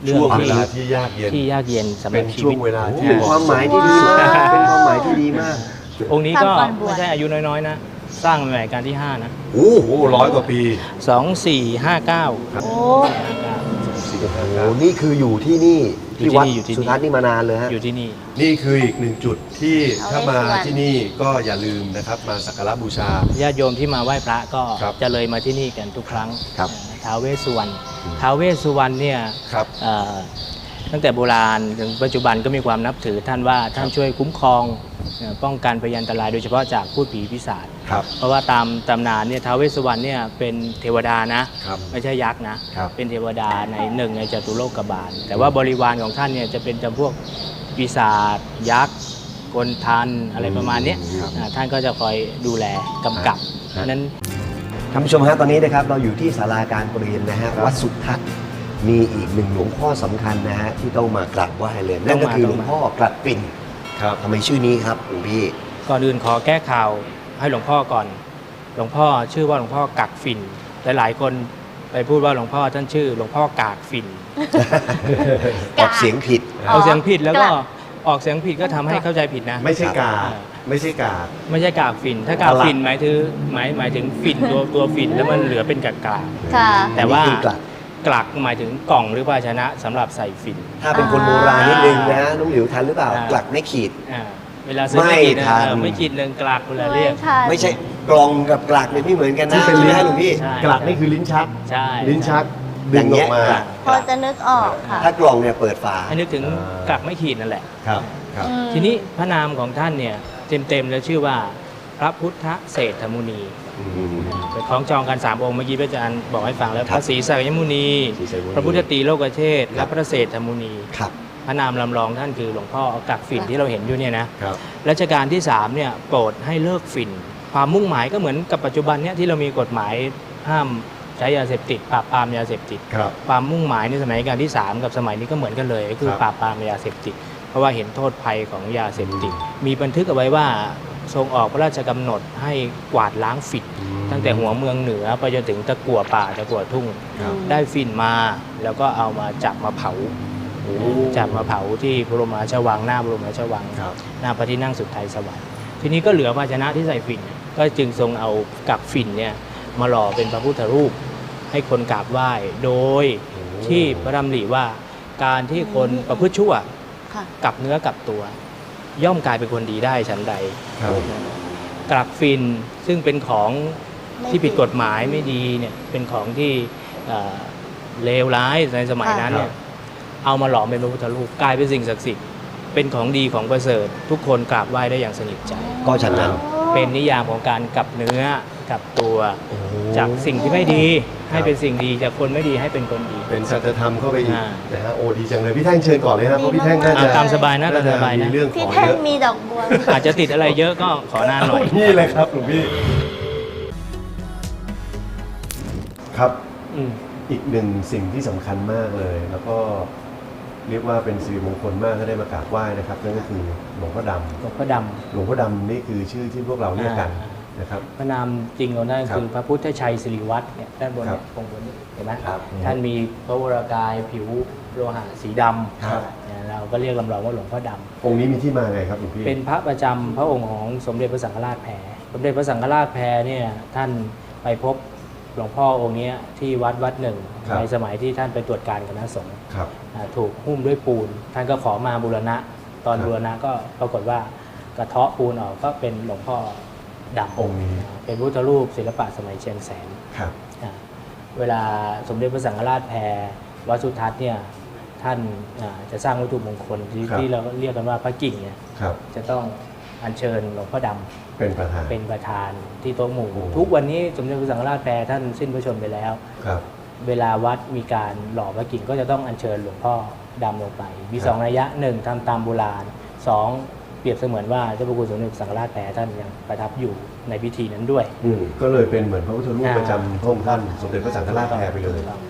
[SPEAKER 3] เรื่อง
[SPEAKER 1] ช่วง
[SPEAKER 3] ที่
[SPEAKER 1] เวลาที่ยากเย็น
[SPEAKER 3] ที่ยากเย็นสำห
[SPEAKER 1] เป็
[SPEAKER 3] รับ
[SPEAKER 1] น
[SPEAKER 3] ชี
[SPEAKER 1] ช่ว
[SPEAKER 3] วิ
[SPEAKER 1] ง
[SPEAKER 3] ต
[SPEAKER 1] เวลาที่
[SPEAKER 4] เป็นความหมายที่ดีมาก เป็นความหมายที่ดีมาก
[SPEAKER 3] องค์นี้ก็
[SPEAKER 2] ทำก่อนบวช
[SPEAKER 3] ไม่ใช่อายุน้อยๆนะ สร้างในรัชกาลที่ห้านะ
[SPEAKER 1] โอ้โหร้อยกว่าปี
[SPEAKER 3] สองสี่ห้าเก้า
[SPEAKER 2] โอ้
[SPEAKER 1] สี่ห้า
[SPEAKER 4] โอ้
[SPEAKER 1] เก้า
[SPEAKER 4] นี่คืออยู่ที่นี่
[SPEAKER 3] อยู่
[SPEAKER 4] ที่
[SPEAKER 3] ที่
[SPEAKER 4] วัด
[SPEAKER 3] นี่อยู่ที่นี่
[SPEAKER 4] สุทัศน์นี่มานานเลยฮะ
[SPEAKER 3] อยู่ที่นี่
[SPEAKER 1] นี่คืออีกหนึ่งจุดที่ถ้ามาที่นี่ก็อย่าลืมนะครับมาสักการะบูชา
[SPEAKER 3] ญาติโยมที่มาไหว้พระก็
[SPEAKER 1] ครับ
[SPEAKER 3] จะเลยมาที่นี่กันทุกครั้ง
[SPEAKER 4] ครับ
[SPEAKER 3] ท้าวเวสสุวรรณท้าวเวสสุวรรณเนี่ย
[SPEAKER 1] ครับ
[SPEAKER 3] เอ่อตั้งแต่โบราณถึงปัจจุบันก็มีความนับถือท่านว่าท่านช่วยคุ้มครองเอ่อป้องกันพยันตรายโดยเฉพาะจากพูดผีปีศาจ
[SPEAKER 1] ครับ
[SPEAKER 3] เพราะว่าตามตำนานเนี่ยท้าวเวสสุวรรณเนี่ยเป็นเทวดานะ
[SPEAKER 1] ครับ
[SPEAKER 3] ไม่ใช่ยักษ์นะ
[SPEAKER 1] ครับ
[SPEAKER 3] เป็นเทวดาในหนึ่งในจตุโลกบาล แต่ว่าบริวารของท่านเนี่ยจะเป็นจำพวกปีศาจยักษ์กลทันอะไรประมาณเนี้ย
[SPEAKER 1] ครับ
[SPEAKER 3] อ่าท่านก็จะคอยดูแลกำกับ
[SPEAKER 1] ครับ
[SPEAKER 3] นั้น
[SPEAKER 4] ท่านผู้ชมฮะตอนนี้นะครับเราอยู่ที่ศาลาการประเรียนนะฮะวัดสุทัศน์มีอีกหนึ่งหลวงพ่อสำคัญนะฮะที่ต้องมากราบไหว้เลยนั่นก็คือหลวงพ่อกลัดปิ่น
[SPEAKER 1] ครับ
[SPEAKER 4] ทำไมชื่อนี้ครับหลวงพี่
[SPEAKER 3] ก่อนอื่นขอแก้ข่าวให้หลวงพ่อก่อน หลวงพ่อชื่อว่าหลวงพ่อกักฝิ่นหลายๆคนไปพูดว่าหลวงพ่อท่านชื่อหลวงพ่อกากฝิ่น
[SPEAKER 4] ออกเสียงผิด
[SPEAKER 3] เอาเสียงผิดแล้วก็ออกเสียงผิดก็ทำให้เข้าใจผิดนะ
[SPEAKER 1] ไม่ใช่กา
[SPEAKER 3] อ่า
[SPEAKER 1] ไม่ใช่กา
[SPEAKER 3] ไม่ใช่กากฝิ่นถ้ากากฝิ่นหมายถึงหมายหมายถึงฝิ่นตัวตัวฝิ่นแล้วมันเหลือเป็นกากา
[SPEAKER 2] ค่ะ
[SPEAKER 3] แต่ว่า
[SPEAKER 4] อันนี้คือกลัด
[SPEAKER 3] กลักหมายถึงกล่องหรือภาชนะสำหรับใส่ฝิ่น
[SPEAKER 4] ถ้าเป็นคนโบราณนิดนึงนะฮะน้องหลิวทันหรือเปล่า
[SPEAKER 3] อ่า
[SPEAKER 4] กลัดไม่ขีด
[SPEAKER 3] อ่าเวลาซื้อ
[SPEAKER 4] ไม่
[SPEAKER 3] ไม่ขีดนะ
[SPEAKER 4] ทัน
[SPEAKER 3] เออไม่ขีดหนึ่งกลักเวลาเรียก
[SPEAKER 2] ค่ะ
[SPEAKER 4] ไม่ใช่กลองกับกลักเนี่ยไม่เหมือนกันนะ
[SPEAKER 1] ที่เป็น
[SPEAKER 4] ใช่ไหม
[SPEAKER 1] ลิ้น
[SPEAKER 4] ฮะหลวงพี่
[SPEAKER 3] ใช่
[SPEAKER 1] กลักนี่คือลิ้นชัก
[SPEAKER 3] ใช่
[SPEAKER 1] ลิ้นชัก
[SPEAKER 4] อ
[SPEAKER 1] ดึ
[SPEAKER 4] ย่าง ง
[SPEAKER 1] อ
[SPEAKER 4] เงี้
[SPEAKER 1] อย กมา
[SPEAKER 4] กลัก
[SPEAKER 2] พอจะนึกออกค่ะ
[SPEAKER 4] ถ้ากลองเนี่ยเปิดฝา
[SPEAKER 3] ให้นึกถึง
[SPEAKER 1] อ่าก
[SPEAKER 3] ลักไม่ขีดนั่นแหละ
[SPEAKER 1] ครับครับ
[SPEAKER 2] อืม
[SPEAKER 3] ทีนี้พระนามของท่านเนี่ยเต็มๆแล้วชื่อว่าพระพุทธเศรษฐมุนี
[SPEAKER 1] อืม
[SPEAKER 3] ไปคล้องจองกันสามองค์เมื่อกี้พระอาจารย์บอกให้ฟังแล้ว
[SPEAKER 4] ค
[SPEAKER 3] พ
[SPEAKER 4] รับ
[SPEAKER 3] ระศรีสักยมุนี
[SPEAKER 1] ศรีสักยมุนี
[SPEAKER 3] พระพุทธตรีโลกเทศ
[SPEAKER 4] ครั
[SPEAKER 3] และ
[SPEAKER 4] บ
[SPEAKER 3] พระเศรษฐมุนี
[SPEAKER 4] ครับ
[SPEAKER 3] พระนามลำลองท่านคือหลวงพ่อกักฝิ่นที่เราเห็นอยู่เนี่ยนะครับ รัชกาลที่สามเนี่ยโปรดให้เลิกฝิ่นความมุ่งหมายก็เหมือนกับปัจจุบันเนี่ยที่เรามีกฎหมายห้ามใช้ยาเสพติดปราบปรามยาเสพติด
[SPEAKER 1] ครับ
[SPEAKER 3] ความมุ่งหมายในสมัยรัชกาลที่สามกับสมัยนี้ก็เหมือนกันเลยก็คือ
[SPEAKER 1] ครับ
[SPEAKER 3] ปราบปรามยาเสพติด เพราะว่าเห็นโทษภัยของยาเสพติด มีบันทึกเอาไว้ว่าทรงออกพระราชกำหนดให้กวาดล้างฝิ่นตั้งแต่หัวเมืองเหนือไปจนถึงตะกั่วป่าตะกั่วทุ่ง
[SPEAKER 1] ครับ
[SPEAKER 3] ได้ฝิ่นมาแล้วก็เอามาจับมาเผา
[SPEAKER 1] โอ้
[SPEAKER 3] จับมาเผาที่บรมราชวังหน้าบรมราชวัง
[SPEAKER 1] ครับ
[SPEAKER 3] หน้าพระที่นั่งสุดไทยสวรรค์ทีนี้ก็เหลือภาชนะที่ใส่ฝิ่นเนี่ยก็จึงทรงเอากักฝิ่นเนี่ยมาหล่อเป็นพระพุทธรูป ให้คนกราบไหว้โดยที่พระดำริว่าการที่คนประพฤติชั่ว
[SPEAKER 2] ค่ะ
[SPEAKER 3] กลับเนื้อกลับตัว ย่อมกลายเป็นคนดีได้ฉันใด
[SPEAKER 1] ครับ
[SPEAKER 3] กลักฟินซึ่งเป็นของ
[SPEAKER 2] ไม่
[SPEAKER 3] ที่ผิด
[SPEAKER 2] ผิด
[SPEAKER 3] กฎหมายไม่ดีเนี่ยเป็นของที่เอ่อเลวร้ายในสมัยนั้นเนี่ยเอามาหลอมเป็นพระพุทธรูปกลายเป็นสิ่งศักดิ์สิทธิ์เป็นของดีของประเสริฐทุกคนกราบไหว้ได้อย่างสนิทใจ
[SPEAKER 4] ก็ฉะนั้น
[SPEAKER 3] เป็นนิยามของการกลับเนื้อกลับตัว จากสิ่งที่ไม่ดีให้เป็นสิ่งดีจากคนไม่ดีให้เป็นคนดี
[SPEAKER 1] เป็นสัจธรรมเข้าไปอีก
[SPEAKER 3] อ่า
[SPEAKER 1] นะฮะโอ้ดีจังเลยพี่แท่งเชิญก่อนเลยครับเพราะพี่แท่งน่าจะ
[SPEAKER 3] อ่ะตามสบายนะตามสบายนะ
[SPEAKER 1] มีเรื่องข
[SPEAKER 2] พี่
[SPEAKER 1] อง
[SPEAKER 2] แท่
[SPEAKER 1] เย
[SPEAKER 2] ง
[SPEAKER 1] อะ
[SPEAKER 2] มีดอกบัว
[SPEAKER 3] อาจจะติดอะไรเยอะก็ขอนานหน่อย
[SPEAKER 1] นี่เลยครับหลวงพี่ครับ
[SPEAKER 3] อืม
[SPEAKER 1] อีกหนึ่งสิ่งที่สำคัญมากเลย แล้วก็เรียกว่าเป็นสิริมงคลมากถ้าได้มากราบไหว้นะครับนั่นก็คือหลวงพ่อด
[SPEAKER 3] หลวงพ่อด
[SPEAKER 1] ำหลวงพ่อดำนี่คือชื่อที่พวกเราเรียกกัน
[SPEAKER 3] อ่า
[SPEAKER 1] นะครับ
[SPEAKER 3] ำพระนามจริงของท่าน
[SPEAKER 1] ครับ
[SPEAKER 3] คือพระพุทธชัยสิริวัฒน์เนี่ยด้านบน
[SPEAKER 1] ครั
[SPEAKER 3] เนี่
[SPEAKER 1] บ
[SPEAKER 3] ยตรงบนนี้เห็นไหม
[SPEAKER 4] ครับ
[SPEAKER 3] ท่านมีพระวรากายผิวโลหะสีดำ
[SPEAKER 1] ครับ
[SPEAKER 3] เนี่ยเราก็เรียกลำลองว่าหลวงพ่อด
[SPEAKER 1] องค์นี้มีที่มาไงครับหลวงพี่
[SPEAKER 3] ำเป็นพระประจำพระองค์ของสมเด็จพระสังฆราชแพรสมเด็จพระสังฆราชแพรเนี่ยท่านไปพบหลวงพ่อองค์เนี้ยที่วัดวัดหนึ่ง
[SPEAKER 1] ครับ
[SPEAKER 3] ในสมัยที่ท่านไปตรวจการคณะสงฆ์
[SPEAKER 1] ครับ
[SPEAKER 3] อ่าถูกหุ้มด้วยปูน ท่านก็ขอมาบูรณะ ตอน
[SPEAKER 1] ครับ
[SPEAKER 3] บูรณะก็ปรากฏว่ากระเทาะปูนออกก็เป็นหลวงพ่อดำ
[SPEAKER 1] องค์นี้
[SPEAKER 3] อ่าเป็นพุทธรูปศิลปะสมัยเชียงแสน
[SPEAKER 1] ครับ
[SPEAKER 3] อ่าเวลาสมเด็จพระสังฆราชแพรวัดสุทัศน์เนี่ยท่านอ่าจะสร้างวัตถุมงคลที่
[SPEAKER 1] ครับ
[SPEAKER 3] ที่เราเรียกกันว่าพระกิ่งเนี่ย
[SPEAKER 1] ครับ
[SPEAKER 3] จะต้องอัญเชิญหลวงพ่อดำ
[SPEAKER 1] เป็นประธาน
[SPEAKER 3] เป็นประธานที่โต๊ะหมู่
[SPEAKER 1] โอ้
[SPEAKER 3] ทุกวันนี้สมเด็จพระสังฆราชแพรท่านสิ้นพระชนม์ไปแล้ว
[SPEAKER 1] ครับ
[SPEAKER 3] เวลาวัดมีการหล่อพระกิ่งก็จะต้องอัญเชิญหลวงพ่อดำลงไป มี
[SPEAKER 1] ครับ
[SPEAKER 3] สองนัยยะหนึ่งทำตามโบราณสองเปรียบเสมือนว่าเจ้าพระคุณสมเด็จพระสังฆราชแพรท่านยังประทับอยู่ในพิธีนั้นด้วย
[SPEAKER 1] อืมก็เลยเป็นเหมือนพระพุทธรูป
[SPEAKER 3] อ่า
[SPEAKER 1] ประจำพระองค์ท่านสมเด็จพระสังฆราชแพรไปเลย
[SPEAKER 3] ถูกต้อง